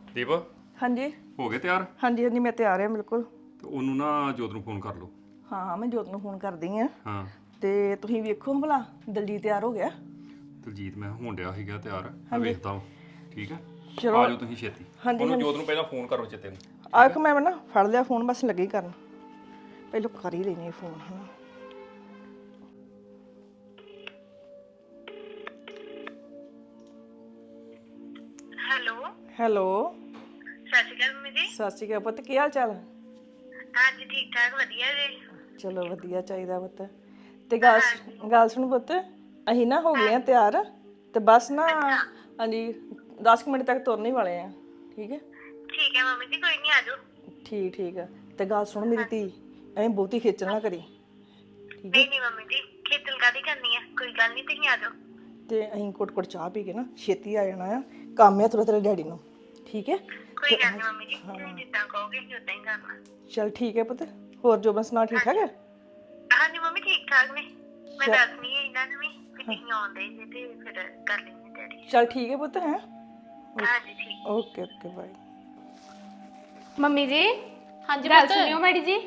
ਦੀਪ ਹਾਂਜੀ ਹੋ ਗਏ ਤਿਆਰ ਹਾਂਜੀ ਹਾਂਜੀ ਮੈਂ ਤਿਆਰ ਹਾਂ ਬਿਲਕੁਲ। ਤੇ ਉਹਨੂੰ ਨਾ ਜੋਤ ਨੂੰ ਫੋਨ ਕਰ ਲਓ। ਹਾਂ ਹਾਂ ਮੈਂ ਜੋਤ ਨੂੰ ਫੋਨ ਕਰਦੀ ਆ। ਹਾਂ ਤੇ ਤੁਸੀਂ ਵੇਖੋ ਭਲਾ ਦਲਜੀਤ ਤਿਆਰ ਹੋ ਗਿਆ। ਦਲਜੀਤ ਮੈਂ ਹੋਣ ਡਿਆ ਸੀਗਾ ਤਿਆਰ ਮੈਂ ਹਾਂਜੀ ਵੇਖਦਾ ਵਾਂ। ਠੀਕ ਹੈ ਚਲੋ ਆ ਜਾਓ ਤੁਸੀਂ ਛੇਤੀ। ਹਾਂਜੀ ਉਹਨੂੰ ਹਾਂਜੀ ਜੋਤ ਨੂੰ ਪਹਿਲਾਂ ਫੋਨ ਕਰੋ ਚੇਤੇ ਨੂੰ। ਆਖ ਮੈਂ ਨਾ ਫੜ ਲਿਆ ਫੋਨ ਬਸ ਲੱਗੀ ਕਰਨ ਪਹਿਲਾਂ ਕਰ ਹੀ ਲੈਣੀ ਫੋਨ ਹਨਾ। ਹੈਲੋ ਹੈਲੋ ਸਤਿ ਸ਼੍ਰੀ ਅਕਾਲ ਮੰਮੀ ਜੀ। ਸਤਿ ਸ਼੍ਰੀ ਅਕਾਲ ਪੁੱਤ ਕੀ ਹਾਲ ਚਾਲ? ਹਾਂਜੀ ਠੀਕ ਠਾਕ ਵਧੀਆ ਜੀ। ਚਲੋ ਵਧੀਆ ਚਾਹੀਦਾ ਪੁੱਤ। ਤੇ ਗੱਲ ਸੁਣ ਪੁੱਤ ਅਸੀਂ ਨਾ ਹੋ ਗਏ ਆ ਤਿਆਰ ਤੇ ਬਸ ਨਾ ਅੱਛਾ ਹਾਂਜੀ 10 ਮਿੰਟ ਤੱਕ ਤੁਰਨ ਹੀ ਵਾਲੇ ਆ। ਠੀਕ ਹੈ ਠੀਕ ਹੈ ਮੰਮੀ ਜੀ ਕੋਈ ਨਹੀਂ ਆ ਜਾਓ। ਠੀਕ ਠੀਕ ਆ। ਤੇ ਗੱਲ ਸੁਣ ਮੇਰੀ ਧੀ ਐਵੇਂ ਬਹੁਤੀ ਖੇਚਲ ਨਾ ਕਰੀ। ਠੀਕ ਹੈ ਨਹੀਂ ਨਹੀਂ ਮੰਮੀ ਜੀ ਖੇਚਲ ਕਾਹਦੀ ਕਰਨੀ ਆ ਕੋਈ ਗੱਲ ਨਹੀਂ ਤੁਸੀਂ ਆ ਜਾਓ। ਤੇ ਅਸੀਂ ਕੁੱਟ ਚਾਹ ਪੀ ਕੇ ਨਾ ਛੇਤੀ ਆ ਜਾਣਾ ਆ ਕੰਮ ਆ ਥੋੜਾ ਤੇਰੇ ਡੈਡੀ ਨੂੰ। ਠੀਕ ਹੈ ਕੋਈ ਤੇ ਗੱਲ ਨਹੀਂ ਮੰਮੀ ਜੀ ਤੁਸੀਂ ਜਿੱਦਾਂ ਕਹੋਗੇ ਅਸੀਂ ਉਦਾਂ ਹੀ ਕਰਨਾ। ਚਲ ਠੀਕ ਹੈ ਪੁੱਤ ਹੋਰ ਜੋਬਨ ਸੁਣਾ ਠੀਕ ਠਾਕ ਹੈ? ਹਾਂਜੀ ਮੰਮੀ ਠੀਕ ਠਾਕ ਨੇ ਮੈਂ ਚੱਲ ਦੱਸਣੀ ਹੈ ਇਹਨਾਂ ਨੂੰ ਵੀ ਕਿ ਤੁਸੀਂ ਆਉਂਦੇ ਜੇ ਤੇ ਫਿਰ ਕਰ ਲੈਂਦੇ ਡੈਡੀ। ਚਲ ਠੀਕ ਹੈ ਪੁੱਤ ਹੈ ਹਾਂਜੀ ਠੀਕ। Okay okay bye. ਮੰਮੀ ਜੀ ਹਾਂਜੀ ਗੱਲ ਪੁੱਤ ਸੁਣਿਓ ਮੈਡੀ ਜੀ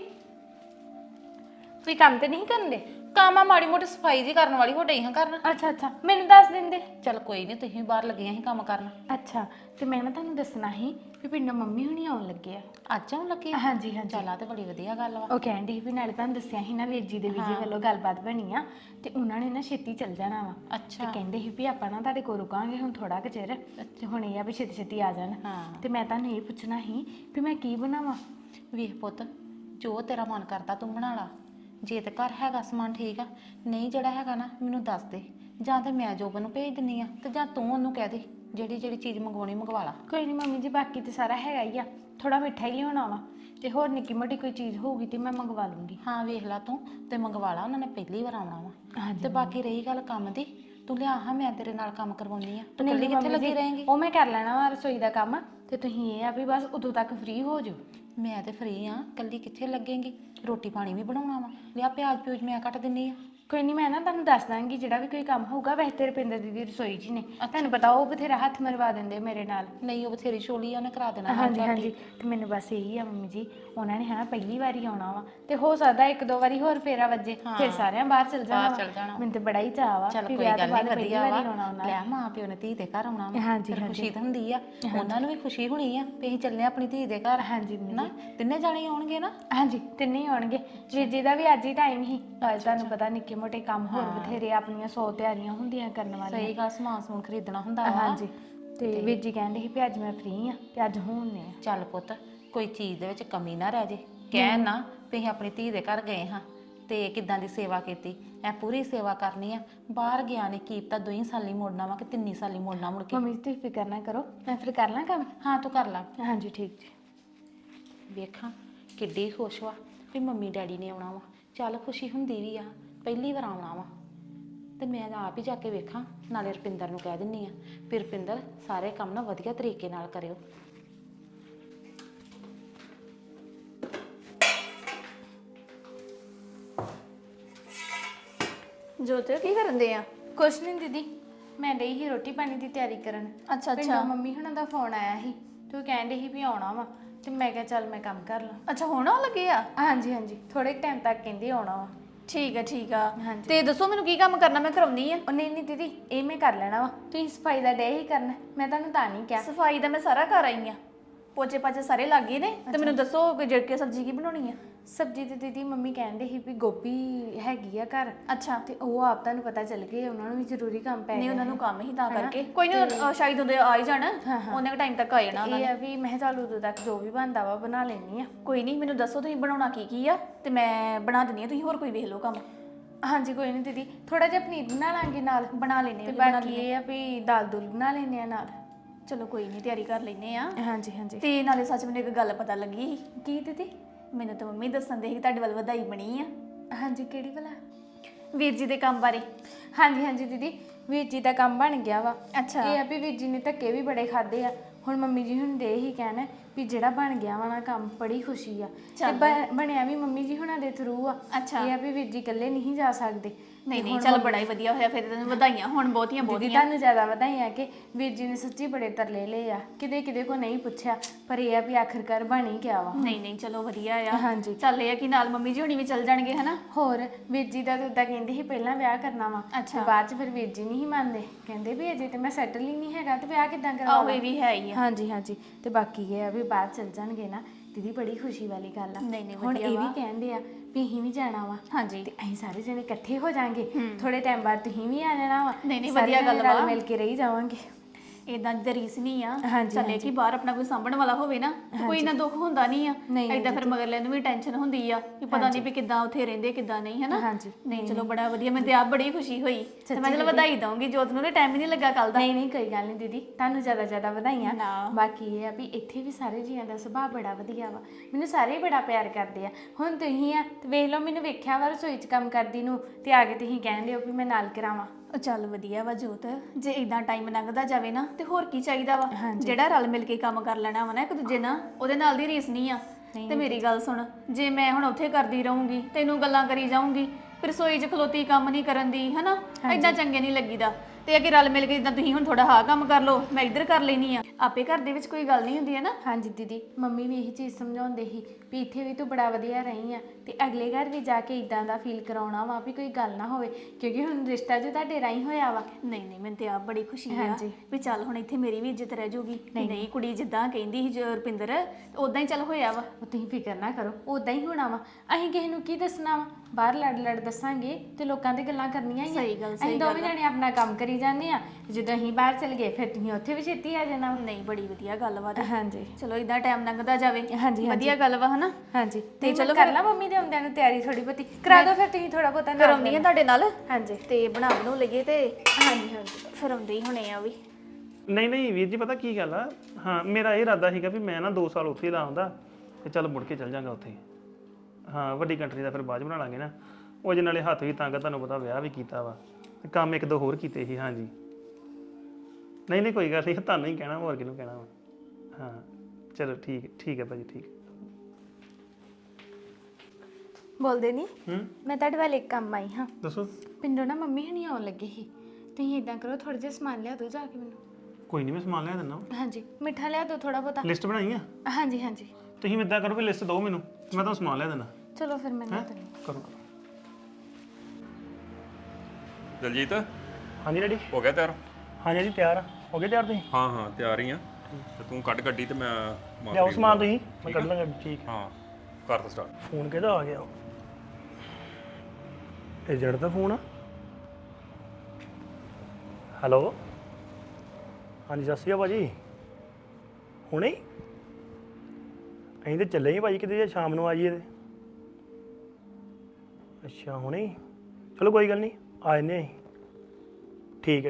ਤੁਸੀਂ ਕੰਮ ਤੇ ਨਹੀਂ ਕਰਦੇ? ਕੰਮ ਆ ਮਾੜੀ ਮੋਟੀ ਸਫਾਈ ਜੀ ਕਰਨ ਵਾਲੀ ਹੋ ਡਈ ਹਾਂ ਕਰਨ। ਅੱਛਾ ਅੱਛਾ ਮੈਨੂੰ ਦੱਸ ਦਿੰਦੇ। ਚਲ ਕੋਈ ਨਹੀਂ ਤੁਸੀਂ ਬਾਹਰ ਲੱਗੀਆਂ ਸੀ ਕੰਮ ਕਰਨ। ਅੱਛਾ ਤੇ ਮੈਂ ਨਾ ਤੁਹਾਨੂੰ ਦੱਸਣਾ ਸੀ ਵੀ ਪਿੰਡੋਂ ਮੰਮੀ ਹੁਣੀ ਆਉਣ ਲੱਗੇ ਆ। ਅੱਜ ਆਉਣ ਲੱਗੇ? ਹਾਂਜੀ ਹਾਂਜੀ ਚੱਲ ਆ ਤੇ ਬੜੀ ਵਧੀਆ ਗੱਲ ਵਾ। ਉਹ ਕਹਿੰਦੀ ਸੀ ਵੀ ਨਾਲੇ ਤੁਹਾਨੂੰ ਦੱਸਿਆ ਸੀ ਨਾ ਵੀਰ ਜੀ ਦੇ ਵੀਜ਼ੇ ਵੱਲੋਂ ਗੱਲਬਾਤ ਬਣੀ ਆ ਤੇ ਉਹਨਾਂ ਨੇ ਨਾ ਛੇਤੀ ਚੱਲ ਜਾਣਾ ਵਾ। ਅੱਛਾ ਤੇ ਕਹਿੰਦੇ ਸੀ ਵੀ ਆਪਾਂ ਨਾ ਤੁਹਾਡੇ ਕੋਲ ਰੁਕਾਂਗੇ ਹੁਣ ਥੋੜਾ ਕੁ ਚਿਰ ਤੇ ਹੁਣ ਇਹ ਆ ਵੀ ਛੇਤੀ ਛੇਤੀ ਆ ਜਾਣ। ਹਾਂ ਤੇ ਮੈਂ ਤੁਹਾਨੂੰ ਇਹ ਪੁੱਛਣਾ ਸੀ ਵੀ ਮੈਂ ਕੀ ਬਣਾਵਾਂ? ਵੇਖ ਪੁੱਤ ਜੋ ਤੇਰਾ ਮਨ ਕਰਦਾ ਤੂੰ ਬਣਾ ਲਾ। ਜੇ ਤੇ ਘਰ ਹੈਗਾ ਸਮਾਨ ਠੀਕ ਆ ਨਹੀਂ ਜਿਹੜਾ ਹੈਗਾ ਨਾ ਮੈਨੂੰ ਦੱਸ ਦੇ ਜਾਂ ਤੇ ਮੈਂ ਜੋਬਨ ਨੂੰ ਭੇਜ ਦਿੰਨੀ ਆ ਤੇ ਜਾਂ ਤੂੰ ਉਹਨੂੰ ਕਹਿ ਦੇ ਜਿਹੜੀ ਜਿਹੜੀ ਚੀਜ਼ ਮੰਗਵਾਉਣੀ ਮੰਗਵਾ ਲਾ। ਕੋਈ ਨਹੀਂ ਮੰਮੀ ਜੀ ਬਾਕੀ ਤੇ ਸਾਰਾ ਹੈਗਾ ਹੀ ਆ ਥੋੜਾ ਮਿੱਠਾ ਹੀ ਲਿਆਉਣਾ ਵਾ ਤੇ ਹੋਰ ਨਿੱਕੀ ਮੋਟੀ ਕੋਈ ਚੀਜ਼ ਹੋਊਗੀ ਤੇ ਮੈਂ ਮੰਗਵਾ ਲੂੰਗੀ। ਹਾਂ ਵੇਖ ਲਾ ਤੂੰ ਤੇ ਮੰਗਵਾ ਲਾ ਉਹਨਾਂ ਨੇ ਪਹਿਲੀ ਵਾਰ ਆਉਣਾ ਵਾ। ਹਾਂਜੀ ਤੇ ਬਾਕੀ ਰਹੀ ਗੱਲ ਕੰਮ ਦੀ ਤੂੰ ਲਿਆ ਹਾਂ ਮੈਂ ਤੇਰੇ ਨਾਲ ਕੰਮ ਕਰਵਾਉਣੀ ਆ ਤੂੰ ਨਹੀਂ ਇਕੱਲੀ ਕਿੱਥੇ ਮੰਮੀ ਲੱਗੀ ਜੀ, ਰਹੇਂਗੀ? ਉਹ ਮੈਂ ਕਰ ਲੈਣਾ ਵਾ ਰਸੋਈ ਦਾ ਕੰਮ ਤੇ ਤੁਸੀਂ ਇਹ ਆ ਵੀ ਬਸ ਉਦੋਂ ਤੱਕ ਫ੍ਰੀ ਹੋ ਜਾਓ। ਮੈਂ ਤੇ ਫਰੀ ਆ ਇਕੱਲੀ ਕਿੱਥੇ ਲੱਗੇਂਗੀ ਰੋਟੀ ਪਾਣੀ ਵੀ ਬਣਾਉਣਾ ਵਾ ਲਿਆ ਪਿਆਜ਼ ਪਿਊਜ਼ ਮੈਂ ਕੱਟ ਦਿੰਨੀ ਆ। ਕੋਈ ਨਹੀਂ ਮੈਂ ਨਾ ਤੁਹਾਨੂੰ ਦੱਸ ਦਾਂਗੀ ਜਿਹੜਾ ਵੀ ਕੋਈ ਕੰਮ ਹੋਊਗਾ ਵੈਸੇ ਤੇ ਰੁਪਿੰਦਰ ਦੀਦੀ ਰਸੋਈ 'ਚ ਹੀ ਨੇ ਤੁਹਾਨੂੰ ਪਤਾ ਉਹ ਬਥੇਰਾ ਹੱਥ ਮਰਵਾ ਦਿੰਦੇ ਮੇਰੇ ਨਾਲ। ਨਹੀਂ ਉਹ ਬਥੇਰੀ ਛੋਲੀ ਆ ਉਹਨੇ ਕਰਾ ਦੇਣਾ ਨਾਲ ਹਾਂਜੀ ਝੱਟ ਹਾਂਜੀ ਹੀ। ਤੇ ਮੈਨੂੰ ਬਸ ਇਹੀ ਆ ਮੰਮੀ ਜੀ ਉਹਨਾਂ ਨੇ ਹਨਾ ਪਹਿਲੀ ਵਾਰੀ ਆਉਣਾ ਵਾ ਤੇ ਹੋ ਸਕਦਾ ਇੱਕ ਦੋ ਵਾਰੀ ਹੋਰ ਫੇਰਾ ਵੱਜੇ ਫਿਰ ਸਾਰਿਆਂ ਬਾਹਰ ਚਲ ਜਾਣਾ ਬਾਹਰ ਚਲ ਜਾਣਾ। ਮੈਨੂੰ ਤੇ ਬੜਾ ਹੀ ਚਾਅ ਵਾ ਚੱਲ ਵੀ ਕੋਈ ਵਿਆਹ ਤੋਂ ਗੱਲ ਨਹੀਂ ਬਾਅਦ ਪਹਿਲੀ ਵਧੀਆ ਵਾ ਵਾਰੀ ਆਉਣਾ ਉਹਨਾਂ ਨੇ। ਲੈ ਮਾਂ ਪਿਓ ਨੇ ਧੀ ਦੇ ਘਰ ਆਉਣਾ ਵਾ ਹਾਂਜੀ, ਫਿਰ ਹਾਂਜੀ। ਖੁਸ਼ੀ ਤਾਂ ਹੁੰਦੀ ਆ ਉਹਨਾਂ ਨੂੰ ਵੀ ਖੁਸ਼ੀ ਹੋਣੀ ਆ ਵੀ ਅਸੀਂ ਚੱਲੇ ਆਪਣੀ ਧੀ ਦੇ ਘਰ। ਹਾਂਜੀ ਮੰਮੀ ਨਾ ਤਿੰਨੇ ਜਾਣੇ ਆਉਣਗੇ ਨਾ? ਹਾਂਜੀ ਤਿੰਨੇ ਹੀ ਆਉਣਗੇ ਵੀਰ ਜੀ ਦਾ ਵੀ ਅੱਜ ਹੀ ਟਾਈਮ ਹੀ ਅੱਜ ਤੁਹਾਨੂੰ ਪਤਾ ਨਿੱਕੇ ਮੋਟੇ ਕੰਮ ਹੋਰ ਬਥੇਰੇ ਆਪਣੀਆਂ 100 ਤਿਆਰੀਆਂ ਹੁੰਦੀਆਂ ਕਰਨ ਵਾਲੀਆਂ। ਸਹੀ ਗੱਲ ਸਮਾਨ ਸਮੂਨ ਖਰੀਦਣਾ ਹੁੰਦਾ ਵਾ। ਹਾਂਜੀ ਤੇ ਵੀਰ ਜੀ ਕਹਿੰਦੇ ਸੀ ਵੀ ਅੱਜ ਮੈਂ ਫ੍ਰੀ ਆ ਤੇ ਅੱਜ ਹੋਣੇ ਆ। ਚੱਲ ਪੁੱਤ ਕੋਈ ਚੀਜ਼ ਦੇ ਵਿੱਚ ਕਮੀ ਨਾ ਰਹਿ ਜੇ ਕਹਿਣ ਨਾ ਵੀ ਅਸੀਂ ਆਪਣੀ ਧੀ ਦੇ ਘਰ ਗਏ ਹਾਂ ਤੇ ਕਿੱਦਾਂ ਦੀ ਸੇਵਾ ਕੀਤੀ ਐ ਪੂਰੀ ਸੇਵਾ ਕਰਨੀ ਆ। ਬਾਹਰ ਗਿਆ ਨੇ ਕੀ ਪਤਾ 2 ਸਾਲੀ ਮੁੜਨਾ ਵਾ ਕਿ 3 ਸਾਲੀ ਮੁੜਨਾ ਮੁੜ ਕੇ। ਮੰਮੀ ਜੀ ਤੁਸੀਂ ਫਿਕਰ ਨਾ ਕਰੋ ਮੈਂ ਫਿਰ ਕਰ ਲਾਂ ਕੰਮ। ਹਾਂ ਤੂੰ ਕਰ ਲਾ। ਹਾਂਜੀ ਠੀਕ ਜੀ। ਵੇਖਾਂ ਕਿੱਡੀ ਖੁਸ਼ ਵਾ ਵੀ ਮੰਮੀ ਡੈਡੀ ਨੇ ਆਉਣਾ ਵਾ। ਚੱਲ ਖੁਸ਼ੀ ਹੁੰਦੀ ਵੀ ਆ ਪਹਿਲੀ ਵਾਰ ਆਉਣਾ ਵਾ ਤੇ ਮੈਂ ਆਪ ਹੀ ਜਾ ਕੇ ਵੇਖਾਂ ਨਾਲੇ ਰੁਪਿੰਦਰ ਨੂੰ ਕਹਿ ਦਿੰਨੀ ਆ ਵੀ ਰੁਪਿੰਦਰ ਸਾਰੇ ਕੰਮ ਨਾ ਵਧੀਆ ਤਰੀਕੇ ਨਾਲ ਕਰਿਓ। ਜੋਤ ਕੀ ਕਰਦੇ ਆ? ਕੁਛ ਨਹੀਂ ਦੀਦੀ ਮੈਂ ਡਈ ਹੀ ਰੋਟੀ ਪਾਣੀ ਦੀ ਤਿਆਰੀ ਕਰਨ। ਅੱਛਾ ਪਿੰਡੋਂ ਮੰਮੀ ਹੁਣਾਂ ਦਾ ਫੋਨ ਆਇਆ ਸੀ ਤੇ ਉਹ ਕਹਿੰਦੇ ਸੀ ਵੀ ਆਉਣਾ ਵਾ ਤੇ ਮੈਂ ਕਿਹਾ ਚੱਲ ਮੈਂ ਕੰਮ ਕਰ ਲਾਂ। ਅੱਛਾ ਹੁਣ ਆਉਣ ਲੱਗੇ ਆ? ਹਾਂਜੀ ਹਾਂਜੀ ਥੋੜੇ ਟਾਈਮ ਤੱਕ ਕਹਿੰਦੇ ਆਉਣਾ ਵਾ। ਠੀਕ ਆ ਹਾਂਜੀ। ਤੇ ਦੱਸੋ ਮੈਨੂੰ ਕੀ ਕੰਮ ਕਰਨਾ ਮੈਂ ਕਰਾਉਣੀ ਆ। ਉਹ ਨਹੀਂ ਨਹੀਂ ਦੀਦੀ ਇਹ ਮੈਂ ਕਰ ਲੈਣਾ ਵਾ ਤੁਸੀਂ ਸਫਾਈ ਦਾ ਡੇ ਹੀ ਕਰਨਾ ਮੈਂ ਤੁਹਾਨੂੰ ਤਾਂ ਨਹੀਂ ਕਿਹਾ। ਸਫਾਈ ਦਾ ਮੈਂ ਸਾਰਾ ਕਰ ਆਈ ਆ ਪੋਚੇ ਪਾਚੇ ਸਾਰੇ ਲੱਗ ਗਏ ਨੇ ਤੇ ਮੈਨੂੰ ਦੱਸੋ ਕਿ ਜਿਹੜੀ ਸਬਜ਼ੀ ਕੀ ਬਣਾਉਣੀ ਆ? ਸਬਜ਼ੀ ਤੇ ਦੀਦੀ ਮੰਮੀ ਕਹਿੰਦੇ ਸੀ ਵੀ ਗੋਭੀ ਹੈਗੀ ਆ ਘਰ ਅੱਛਾ ਤੇ ਉਹ ਆਪ ਤੁਹਾਨੂੰ ਪਤਾ ਚੱਲ ਗਏ ਉਹਨਾਂ ਨੂੰ ਵੀ ਜ਼ਰੂਰੀ ਕੰਮ ਪੈ ਨਹੀਂ ਗਿਆ ਉਹਨਾਂ ਨੂੰ ਹੈ। ਕੰਮ ਹੀ ਤਾਂ ਹਨਾ? ਕਰਕੇ ਕੋਈ ਨਹੀਂ ਸ਼ਾਇਦ ਉਹਦੇ ਆ ਹੀ ਜਾਣਾ ਉਹਨੇ ਕ ਟਾਈਮ ਤੱਕ ਆ ਜਾਣਾ ਉਹਨਾਂ ਇਹ ਨੇ। ਆ ਵੀ ਮੈਂ ਚੱਲ ਉਦੋਂ ਤੱਕ ਜੋ ਵੀ ਬਣਦਾ ਵਾ ਬਣਾ ਲੈਣੀ ਆ। ਕੋਈ ਨਹੀਂ ਮੈਨੂੰ ਦੱਸੋ ਤੁਸੀਂ ਬਣਾਉਣਾ ਕੀ ਆ ਤੇ ਮੈਂ ਬਣਾ ਦਿੰਦੀ ਆ ਤੁਸੀਂ ਹੋਰ ਕੋਈ ਵੇਖ ਲਓ ਕੰਮ। ਹਾਂਜੀ ਕੋਈ ਨਹੀਂ ਦੀਦੀ ਥੋੜਾ ਜਿਹਾ ਪਨੀਰ ਬਣਾ ਲਾਂਗੇ ਨਾਲ ਬਣਾ ਲੈਨੇ ਤੇ ਆ ਬਾਕੀ ਇਹ ਆ ਵੀ ਦਾਲ ਦੁਲ ਬਣਾ ਲੈਣੇ ਆ ਨਾਲ। ਚਲੋ ਕੋਈ ਨਹੀਂ ਤਿਆਰੀ ਕਰ ਲੈਨੇ ਆ। ਹਾਂਜੀ ਹਾਂਜੀ ਤੇ ਨਾਲੇ ਸੱਚ ਮੈਨੂੰ ਇੱਕ ਗੱਲ ਪਤਾ ਲੱਗੀ ਕੀ ਦੀਦੀ? ਮੈਨੂੰ ਤਾਂ ਮੰਮੀ ਦੱਸਣ ਦੇ ਸੀ ਕਿ ਤੁਹਾਡੇ ਵੱਲ ਵਧਾਈ ਬਣੀ ਆ ਹਾਂਜੀ ਕਿਹੜੀ ਭਲਾ? ਵੀਰ ਜੀ ਦੇ ਕੰਮ ਬਾਰੇ। ਹਾਂਜੀ ਹਾਂਜੀ ਦੀਦੀ ਵੀਰ ਜੀ ਦਾ ਕੰਮ ਬਣ ਗਿਆ ਵਾ। ਅੱਛਾ ਇਹ ਆ ਵੀ ਵੀਰ ਜੀ ਨੇ ਧੱਕੇ ਵੀ ਬੜੇ ਖਾਦੇ ਆ ਹੁਣ ਮੰਮੀ ਜੀ ਹੁਣ ਦੇ ਹੀ ਕਹਿਣਾ ਵੀ ਜਿਹੜਾ ਬਣ ਗਿਆ ਵਾ ਨਾ ਕੰਮ ਬੜੀ ਖੁਸ਼ੀ ਆ ਤੇ ਬਣਿਆ ਵੀ ਮੰਮੀ ਜੀ ਹੁਣਾਂ ਦੇ ਥਰੂ ਆ। ਅੱਛਾ ਇਹ ਆ ਵੀ ਵੀਰ ਜੀ ਇਕੱਲੇ ਨਹੀਂ ਜਾ ਸਕਦੇ ਨਹੀਂ ਨਹੀਂ ਚੱਲ ਬੜਾ ਹੀ ਵਧੀਆ ਹੋਇਆ ਫਿਰ ਤੈਨੂੰ ਵਧਾਈਆਂ ਹੁਣ ਬਹੁਤੀਆਂ ਦੀਦੀ ਬਹੁਤੀਆਂ ਤੁਹਾਨੂੰ ਜ਼ਿਆਦਾ ਵਧਾਈਆਂ ਕਿ ਵੀਰ ਜੀ ਨੇ ਸੱਚੀ ਬੜੇ ਤਰਲੇ ਲਏ ਆ, ਕਿਤੇ ਕੋ ਨਹੀਂ ਪੁੱਛਿਆ, ਪਰ ਇਹ ਆ ਵੀ ਆਖਰਕਾਰ ਬਣ ਹੀ ਗਿਆ ਵਾ। ਨਹੀਂ ਨਹੀਂ ਚਲੋ ਵਧੀਆ ਆ। ਹਾਂਜੀ। ਚੱਲ ਇਹ ਆ ਕਿ ਨਾਲ ਮੰਮੀ ਜੀ ਹੁਣੀ ਵੀ ਚੱਲ ਜਾਣਗੇ ਹਨਾ। ਹੋਰ ਵੀਰ ਜੀ ਦਾ ਤਾਂ ਉਦਾਂ ਕਹਿੰਦੇ ਸੀ ਪਹਿਲਾਂ ਵਿਆਹ ਕਰਨਾ ਵਾ, ਤੇ ਬਾਅਦ ਚ ਫਿਰ ਵੀਰ ਜੀ ਨਹੀਂ ਸੀ ਮੰਨਦੇ, ਕਹਿੰਦੇ ਵੀ ਅਜੇ ਤੇ ਮੈਂ ਸੈਟਲ ਹੀ ਨਹੀਂ ਹੈਗਾ ਤੇ ਵਿਆਹ ਕਿੱਦਾਂ ਆਹੋ ਕਰਾਵਾਂ। ਇਹ ਵੀ ਹੈ ਹੀ ਆ। ਹਾਂਜੀ ਹਾਂਜੀ, ਤੇ ਬਾਕੀ ਇਹ ਆ ਵੀ ਬਾਹਰ ਚੱਲ ਜਾਣਗੇ ਨਾ ਦੀਦੀ, ਬੜੀ ਖੁਸ਼ੀ ਵਾਲੀ ਗੱਲ ਆ। ਨਹੀਂ ਹੁਣ ਇਹ ਵੀ ਕਹਿੰਦੇ ਆ ਵੀ ਅਸੀਂ ਵੀ ਜਾਣਾ ਵਾ, ਹਾਂਜੀ ਤੇ ਅਸੀਂ ਸਾਰੇ ਜਣੇ ਇਕੱਠੇ ਹੋ ਜਾਾਂਗੇ, ਥੋੜੇ ਟਾਈਮ ਬਾਅਦ ਤੁਸੀਂ ਵੀ ਆ ਜਾਣਾ ਵਾ। ਨਹੀਂ ਸਾਰੇ ਵਧੀਆ ਗੱਲ ਜਣੇ ਰਲ ਵਾ। ਮਿਲ ਕੇ ਰਹੀ ਜਾਵਾਂਗੇ। ਇਦਾਂ ਦੀ ਰੀਸ ਨਹੀਂ ਆ। ਹਾਂਜੀ, ਚੱਲੇ ਕਿ ਬਾਹਰ ਆਪਣਾ ਕੋਈ ਸਾਂਭਣ ਵਾਲਾ ਹੋਵੇ ਨਾ ਤੇ ਕੋਈ ਨਾ ਦੁੱਖ ਹੁੰਦਾ ਨਹੀਂ ਆ। ਨਹੀਂ, ਇਦਾਂ ਫਿਰ ਮਗਰਲੇ ਨੂੰ ਵੀ ਟੈਨਸ਼ਨ ਹੁੰਦੀ ਆ ਕਿ ਪਤਾ ਨਹੀਂ ਵੀ ਕਿੱਦਾਂ ਉੱਥੇ ਰਹਿੰਦੇ ਕਿੱਦਾਂ ਨਹੀਂ ਹਨਾ। ਹਾਂਜੀ। ਨਹੀਂ ਚਲੋ ਬੜਾ ਵਧੀਆ, ਮੈਂ ਤੇ ਆਪ ਬੜੀ ਖੁਸ਼ੀ ਹੋਈ ਤੇ ਮੈਂ ਚਲ ਵਧਾਈ ਦਊਂਗੀ। ਜੋਤ ਨੂੰ ਟਾਈਮ ਹੀ ਨਹੀਂ ਲੱਗਾ ਕੱਲ ਦਾ। ਨਹੀਂ ਕੋਈ ਗੱਲ ਨਹੀਂ ਦੀਦੀ, ਤੁਹਾਨੂੰ ਜ਼ਿਆਦਾ ਵਧਾਈਆਂ। ਬਾਕੀ ਇਹ ਆ ਵੀ ਇੱਥੇ ਵੀ ਸਾਰੇ ਜੀਆਂ ਦਾ ਸੁਭਾਅ ਬੜਾ ਵਧੀਆ ਵਾ, ਮੈਨੂੰ ਸਾਰੇ ਹੀ ਬੜਾ ਪਿਆਰ ਕਰਦੇ ਆ। ਹੁਣ ਤੁਸੀਂ ਆ ਤੇ ਵੇਖ ਲਓ, ਮੈਨੂੰ ਵੇਖਿਆ ਵਾ ਰਸੋਈ 'ਚ ਕੰਮ ਕਰਦੀ ਨੂੰ ਤੇ ਆ ਕੇ ਤੁਸੀਂ ਕਹਿੰਦੇ ਹੋ ਵੀ ਮੈਂ ਨਾਲ ਕਰਾਵਾਂ। ਚੱਲ ਵਧੀਆ ਵਾ ਜੋਤ, ਜੇ ਇਦਾਂ ਟਾਈਮ ਲੰਘਦਾ ਜਾਵੇ ਨਾ ਤੇ ਹੋਰ ਕੀ ਚਾਹੀਦਾ ਵਾ। ਜਿਹੜਾ ਰਲ ਮਿਲ ਕੇ ਕੰਮ ਕਰ ਲੈਣਾ ਵਾ ਨਾ ਇੱਕ ਦੂਜੇ ਨਾਲ, ਉਹਦੇ ਨਾਲ ਦੀ ਰੀਸ ਨਹੀਂ ਆ। ਤੇ ਮੇਰੀ ਗੱਲ ਸੁਣ, ਜੇ ਮੈਂ ਹੁਣ ਉੱਥੇ ਕਰਦੀ ਰਹੂੰਗੀ ਤੈਨੂੰ ਗੱਲਾਂ ਕਰੀ ਜਾਊਂਗੀ, ਫਿਰ ਰਸੋਈ 'ਚ ਖਲੋਤੀ ਕੰਮ ਨਹੀਂ ਕਰਨ ਦੀ ਹਨਾ, ਇਦਾਂ ਚੰਗੇ ਨਹੀਂ ਲੱਗੀਦਾ। ਤੇ ਅੱਗੇ ਰਲ ਮਿਲ ਕੇ ਜਿੱਦਾਂ ਤੁਸੀਂ ਹੁਣ ਥੋੜਾ ਹਾਂ ਕੰਮ ਕਰ ਲਓ, ਮੈਂ ਇੱਧਰ ਕਰ ਲੈਣੀ ਆ, ਆਪੇ ਘਰ ਦੇ ਵਿੱਚ ਕੋਈ ਗੱਲ ਨਹੀਂ ਹੁੰਦੀ ਹੈ ਨਾ। ਹਾਂਜੀ ਦੀਦੀ, ਮੰਮੀ ਵੀ ਇਹੀ ਚੀਜ਼ ਸਮਝਾਉਂਦੇ ਸੀ ਵੀ ਇੱਥੇ ਵੀ ਤੂੰ ਬੜਾ ਵਧੀਆ ਰਹੀ ਆ ਤੇ ਅਗਲੇ ਘਰ ਵੀ ਜਾ ਕੇ ਇਦਾਂ ਦਾ ਫੀਲ ਕਰਾਉਣਾ ਵਾ ਵੀ ਕੋਈ ਗੱਲ ਨਾ ਹੋਵੇ, ਕਿਉਂਕਿ ਹੁਣ ਰਿਸ਼ਤਾ ਜੋ ਤੁਹਾਡੇ ਰਾਹੀਂ ਹੋਇਆ ਵਾ। ਨਹੀਂ ਨਹੀਂ ਮੈਨੂੰ ਤੇ ਆਪ ਬੜੀ ਖੁਸ਼ੀ ਆ ਵੀ ਚੱਲ ਹੁਣ ਇੱਥੇ ਮੇਰੀ ਵੀ ਇੱਜ਼ਤ ਰਹਿ ਜਾਊਗੀ। ਨਹੀਂ ਕੁੜੀ ਜਿੱਦਾਂ ਕਹਿੰਦੀ ਸੀ ਰੁਪਿੰਦਰ, ਉਦਾਂ ਹੀ ਚੱਲ ਹੋਇਆ ਵਾ। ਉਹ ਤੁਸੀਂ ਫਿਕਰ ਨਾ ਕਰੋ, ਉਦਾਂ ਹੀ ਹੋਣਾ ਵਾ। ਅਸੀਂ ਕਿਸੇ ਨੂੰ ਕੀ ਦੱਸਣਾ ਵਾ, ਬਾਹਰ ਲੜ ਦੱਸਾਂਗੇ ਤੇ ਲੋਕਾਂ ਦੇ ਗੱਲਾਂ ਕਰਨੀਆਂ ਹੀ ਆ। ਸਹੀ ਗੱਲ, ਅਸੀਂ ਦੋਵੇਂ ਜਣੇ ਆਪਣਾ ਕੰਮ ਕਰੀ ਜਾਂਦੇ ਆ, ਜਦੋਂ ਅਸੀਂ ਬਾਹਰ ਚਲ ਗਏ ਫਿਰ ਤੁਸੀਂ ਉੱਥੇ ਵੀ ਛੇਤੀ ਆ ਜਾਣਾ। ਨਹੀਂ ਬੜੀ ਵਧੀਆ ਗੱਲ ਵਾ। ਹਾਂਜੀ ਚਲੋ ਇਦਾਂ ਟਾਈਮ ਲੰਘਦਾ ਜਾਵੇ। ਹਾਂਜੀ ਵਧੀਆ ਗੱਲ ਵਾ ਹਨਾ। ਹਾਂਜੀ ਤੇ ਚਲੋ ਕਰ ਲਾ ਮੰਮੀ ਦੇ ਆਉਂਦਿਆਂ ਨੂੰ ਤਿਆਰੀ ਥੋੜੀ ਬਹੁਤੀ ਕਰਾ ਦਿਓ, ਫਿਰ ਤੁਸੀਂ ਥੋੜਾ ਬਹੁਤਾ ਕਰਾਉਂਦੀ ਆ ਤੁਹਾਡੇ ਨਾਲ। ਹਾਂਜੀ ਤੇ ਬਣਾਉ ਲਈਏ ਤੇ ਹਾਂਜੀ ਫਿਰ ਆਉਂਦੇ ਹੀ ਹੋਣੇ ਆ ਵੀ। ਨਹੀਂ ਵੀਰ ਜੀ, ਪਤਾ ਕੀ ਗੱਲ ਆ, ਹਾਂ ਮੇਰਾ ਇਹ ਇਰਾਦਾ ਸੀਗਾ ਵੀ ਮੈਂ ਨਾ 2 ਸਾਲ ਉੱਥੇ ਲਾਉਂਦਾ ਤੇ ਚੱਲ ਮੁੜ ਕੇ ਚੱਲ ਜਾਂਗਾ ਉੱਥੇ। ਹਾਂ ਵੱਡੀ ਕੰਟਰੀ ਦਾ ਫਿਰ ਬਾਅਦ 'ਚ ਬਣਾ ਲਾਂਗੇ ਨਾ। ਉਹ ਨਾਲੇ ਹੱਥ ਵੀ ਤੰਗ, ਤੁਹਾਨੂੰ ਪਤਾ ਵਿਆਹ ਵੀ ਕੀਤਾ ਵਾ ਤੇ ਕੰਮ 1-2 ਹੋਰ ਕੀਤੇ ਸੀ। ਹਾਂਜੀ ਨਹੀਂ ਕੋਈ ਗੱਲ ਨਹੀਂ, ਤੁਹਾਨੂੰ ਹੀ ਕਹਿਣਾ, ਹੋਰ ਕਿਹਨੂੰ ਕਹਿਣਾ ਵਾ। ਹਾਂ ਚਲੋ ਠੀਕ ਹੈ ਭਾਜੀ, ਠੀਕ। ਬੋਲਦੇ ਨਹੀਂ, ਮੈਂ ਤੁਹਾਡੇ ਵੱਲ ਇੱਕ ਕੰਮ ਆਈ ਹਾਂ। ਦੱਸੋ। ਪਿੰਡੋਂ ਨਾ ਮੰਮੀ ਹਣੀ ਆਉਣ ਲੱਗੇ ਸੀ, ਤੁਸੀਂ ਇਦਾਂ ਕਰੋ ਥੋੜਾ ਜਿਹਾ ਸਮਾਨ ਲਿਆ ਦਿਓ ਜਾ ਕੇ ਮੈਨੂੰ। ਕੋਈ ਨਹੀਂ, ਮੈਂ ਸਮਾਨ ਲਿਆ ਦਿੰਦਾ। ਹਾਂਜੀ ਮਿੱਠਾ ਲਿਆ ਦਿਓ ਥੋੜਾ ਬਹੁਤਾ। ਲਿਸਟ ਬਣਾਈ ਆ? ਹਾਂਜੀ ਹਾਂਜੀ ਤੁਸੀਂ ਇਦਾਂ ਕਰੋ ਵੀ ਲਿਸਟ ਦਿਓ ਮੈਨੂੰ, ਮੈਂ ਤੁਹਾਨੂੰ ਸਮਾਨ ਲਿਆ ਦਿੰਦਾ। ਚਲੋ ਫਿਰ ਮੈਂ ਲਿਆ ਦਿੰਦੀ। ਕਰੋ। ਦਲਜੀਤ ਹਾਂਜੀ ਡੈਡੀ। ਹੋ ਗਿਆ ਤਿਆਰ? ਹਾਂਜੀ ਤਿਆਰ ਆ। ਹੋ ਗਏ ਤਿਆਰ ਤੁਸੀਂ? ਹਾਂ ਤਿਆਰ ਹੀ ਆ। ਤੇ ਤੂੰ ਕੱਢ ਗੱਡੀ ਤੇ ਮੈਂ ਲਿਆਓ ਸਮਾਨ ਤੁਸੀਂ, ਮੈਂ ਕੱਢ ਲਾਂਗਾ। ਠੀਕ। ਹਾਂ ਕਰ ਤਾ ਸਟਾਰਟ। ਫੋਨ ਕਿਹਦਾ ਆ ਗਿਆ? ਏਜੰਟ ਦਾ ਫੋਨ ਆ। ਹੈਲੋ ਹਾਂਜੀ ਸਤਿ ਸ਼੍ਰੀ ਅਕਾਲ ਭਾਜੀ। ਹੁਣੇ ਹੀ ਅਸੀਂ ਤੇ ਚੱਲੇ ਹੀ ਭਾਜੀ, ਕਿਤੇ ਜੇ ਸ਼ਾਮ ਨੂੰ ਆ ਜਾਈਏ ਤੇ। ਅੱਛਾ ਹੁਣੇ ਹੀ, ਚਲੋ ਕੋਈ ਗੱਲ ਨਹੀਂ, ਆ ਜੰਨੇ ਅਸੀਂ। ਠੀਕ ਹੈ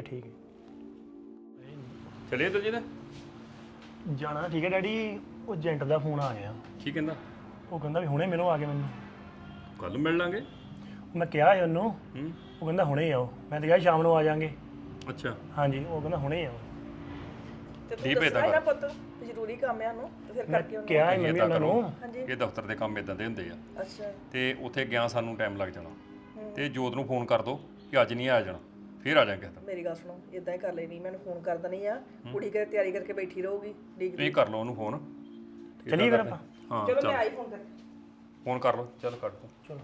ਚਲਿਏ ਦਲਜੀਤ। ਜਾਣਾ ਠੀਕ ਹੈ ਡੈਡੀ। ਉਹ ਏਜੰਟ ਦਾ ਫੋਨ ਆ ਗਿਆ, ਕੀ ਕਹਿੰਦਾ? ਉਹ ਕਹਿੰਦਾ ਵੀ ਹੁਣੇ ਮਿਲੋ ਆ ਕੇ ਮੈਨੂੰ। ਕੱਲ ਮਿਲ ਲਾਂਗੇ। ਮੈਂ ਕਿਹਾ ਸੀ ਉਹਨੂੰ, ਉਹ ਕਹਿੰਦਾ ਹੁਣੇ ਹੀ ਆਓ। ਮੈਂ ਤਾਂ ਕਿਹਾ ਸ਼ਾਮ ਨੂੰ ਆ ਜਾਾਂਗੇ। ਅੱਛਾ ਹਾਂਜੀ ਉਹ ਕਹਿੰਦਾ ਹੁਣੇ ਹੀ ਆਓ। ਤੇ ਠੀਕ ਹੈ ਦੱਸਣਾ ਪੁੱਤ ਜ਼ਰੂਰੀ ਕੰਮ ਆ ਨੂੰ ਤੇ ਫਿਰ ਕਰਕੇ ਉਹਨੂੰ। ਕਿਹਾ ਮੰਮੀ ਉਹਨਾਂ ਨੂੰ। ਇਹ ਦਫ਼ਤਰ ਦੇ ਕੰਮ ਇਦਾਂ ਦੇ ਹੁੰਦੇ ਆ। ਅੱਛਾ ਤੇ ਉੱਥੇ ਗਿਆ ਸਾਨੂੰ ਟਾਈਮ ਲੱਗ ਜਾਣਾ, ਤੇ ਜੋਤ ਨੂੰ ਫੋਨ ਕਰ ਦੋ ਕਿ ਅੱਜ ਨਹੀਂ ਆ ਜਾਣਾ, ਫਿਰ ਆ ਜਾਾਂਗੇ। ਮੇਰੀ ਗੱਲ ਸੁਣੋ, ਇਦਾਂ ਹੀ ਕਰ ਲੈਣੀ, ਮੈਨੂੰ ਫੋਨ ਕਰ ਦੇਣੀ ਆ, ਕੁੜੀ ਕੇ ਤਿਆਰੀ ਕਰਕੇ ਬੈਠੀ ਰਹੂਗੀ। ਤੁਸੀਂ ਕਰ ਲਓ ਉਹਨੂੰ ਫੋਨ। ਚਲੀਏ ਫਿਰ ਆਪਾਂ। ਹਾਂ ਚਲੋ ਮੈਂ ਚੱਲ ਆਈ ਫੋਨ ਕਰ। ਫੋਨ ਕਰ ਲਓ, ਚੱਲ ਕੱਢ ਦੋ। ਚਲੋ।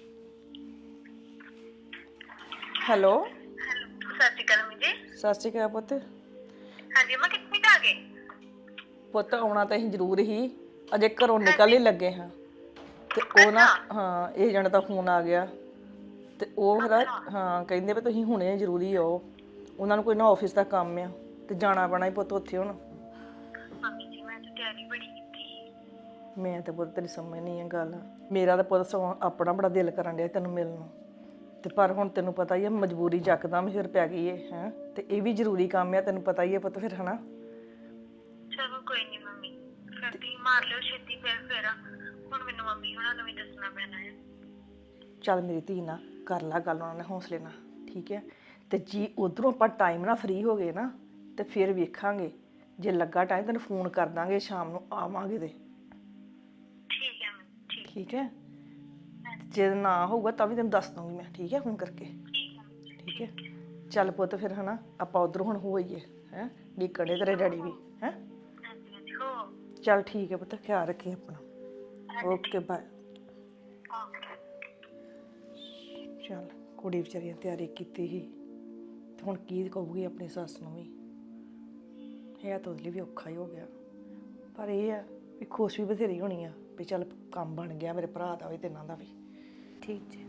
ਹੈਲੋ ਸਤਿ ਸ਼੍ਰੀ ਅਕਾਲ ਮੰਮੀ ਜੀ। ਸਤਿ ਸ਼੍ਰੀ ਅਕਾਲ ਪੁੱਤ। ਹਾਂਜੀ ਮੈਂ ਕਿੱਥੇ ਆ ਗਏ? ਪੁੱਤ ਆਉਣਾ ਤਾਂ ਅਸੀਂ ਜ਼ਰੂਰ ਹੀ, ਅਜੇ ਘਰੋਂ ਨਿਕਲ ਹੀ ਲੱਗੇ ਹਾਂ ਤੇ ਉਹ ਨਾ ਹਾਂ ਏਜੰਟ ਦਾ ਫੋਨ ਆ ਗਿਆ ਤੇ ਉਹ ਫਿਰ ਹਾਂ ਕਹਿੰਦੇ ਵੀ ਤੁਸੀਂ ਹੁਣੇ ਜ਼ਰੂਰੀ ਆਓ, ਉਹਨਾਂ ਨੂੰ ਕੋਈ ਨਾ ਆਫਿਸ ਦਾ ਕੰਮ ਆ ਤੇ ਜਾਣਾ ਪੈਣਾ ਹੀ ਪੁੱਤ ਉੱਥੇ। ਹੁਣ ਮੰਮੀ ਜੀ ਮੈਂ ਤਾਂ ਤਿਆਰੀ ਬੜੀ ਕੀਤੀ। ਮੈਂ ਤਾਂ ਪੁੱਤ ਤੇਰੀ ਸਮਝ ਨਹੀਂ ਆ ਗੱਲ। ਮੇਰਾ ਤਾਂ ਪੁੱਤ ਸਗੋਂ ਆਪਣਾ ਬੜਾ ਦਿਲ ਕਰਨ ਡਿਆ ਤੈਨੂੰ ਮਿਲਣ ਨੂੰ, ਤੇ ਪਰ ਹੁਣ ਤੈਨੂੰ ਪਤਾ ਹੀ ਆ ਮਜਬੂਰੀ ਯਕਦਮ ਫਿਰ ਪੈ ਗਈ ਏ ਹੈ, ਤੇ ਇਹ ਵੀ ਜ਼ਰੂਰੀ ਕੰਮ ਆ, ਤੈਨੂੰ ਪਤਾ ਹੀ ਹੈ ਪੁੱਤ ਫਿਰ ਹਨਾ। ਚਲੋ ਕੋਈ ਨਹੀਂ ਮੰਮੀ, ਫਿਰ ਤੁਸੀਂ ਮਾਰ ਲਿਓ ਛੇਤੀ ਫੇਰ ਹੁਣ ਮੈਨੂੰ ਮੰਮੀ ਉਹਨਾਂ ਨੂੰ ਵੀ ਦੱਸਣਾ ਪੈਣਾ ਹੈ। ਚੱਲ ਮੇਰੀ ਧੀ ਨਾਲ ਕਰ ਲਾ ਗੱਲ ਉਹਨਾਂ ਨੇ ਹੌਸਲੇ ਨਾਲ, ਠੀਕ ਹੈ। ਤੇ ਜੀ ਉਧਰੋਂ ਆਪਾਂ ਟਾਈਮ ਨਾਲ ਫ੍ਰੀ ਹੋ ਗਏ ਨਾ ਤੇ ਫਿਰ ਵੇਖਾਂਗੇ, ਜੇ ਲੱਗਾ ਟਾਈਮ ਤੈਨੂੰ ਫੋਨ ਕਰ ਦਾਂਗੇ, ਸ਼ਾਮ ਨੂੰ ਆਵਾਂਗੇ ਤੇ ਠੀਕ ਹੈ ਮੰਮੀ, ਠੀਕ ਠੀਕ ਹੈ। ਜੇ ਨਾ ਹੋਊਗਾ ਤਾਂ ਵੀ ਤੈਨੂੰ ਦੱਸ ਦੂੰਗੀ ਮੈਂ, ਠੀਕ ਹੈ, ਫੋਨ ਕਰਕੇ। ਠੀਕ ਠੀਕ ਹੈ ਚੱਲ ਪੁੱਤ ਫਿਰ ਹਨਾ ਆਪਾਂ ਉਧਰ ਹੁਣ ਹੋਈਏ ਹੈ ਡੀਕੜੇ ਤੇਰੇ ਡੈਡੀ ਵੀ ਹੈ ਹਾਂਜੀ ਹਾਂਜੀ ਹੋ ਚੱਲ ਠੀਕ ਹੈ ਪੁੱਤ ਖਿਆਲ ਰੱਖੀ ਆਪਣਾ ਓਕੇ ਬਾਏ ਓਕੇ ਚੱਲ ਕੁੜੀ ਵਿਚਾਰੀ ਨੇ ਤਿਆਰੀ ਕੀਤੀ ਸੀ ਤੇ ਹੁਣ ਕੀ ਕਹੂਗੀ ਆਪਣੀ ਸੱਸ ਨੂੰ ਵੀ ਇਹ ਤਾਂ ਉਹਦੇ ਲਈ ਵੀ ਔਖਾ ਹੀ ਹੋ ਗਿਆ ਪਰ ਇਹ ਆ ਵੀ ਖੁਸ਼ ਵੀ ਬਥੇਰੀ ਹੋਣੀ ਆ ਵੀ ਚੱਲ ਕੰਮ ਬਣ ਗਿਆ ਮੇਰੇ ਭਰਾ ਦਾ ਵੀ ਤੇ ਇਹਨਾਂ ਦਾ ਵੀ ਠੀਕ ਜੀ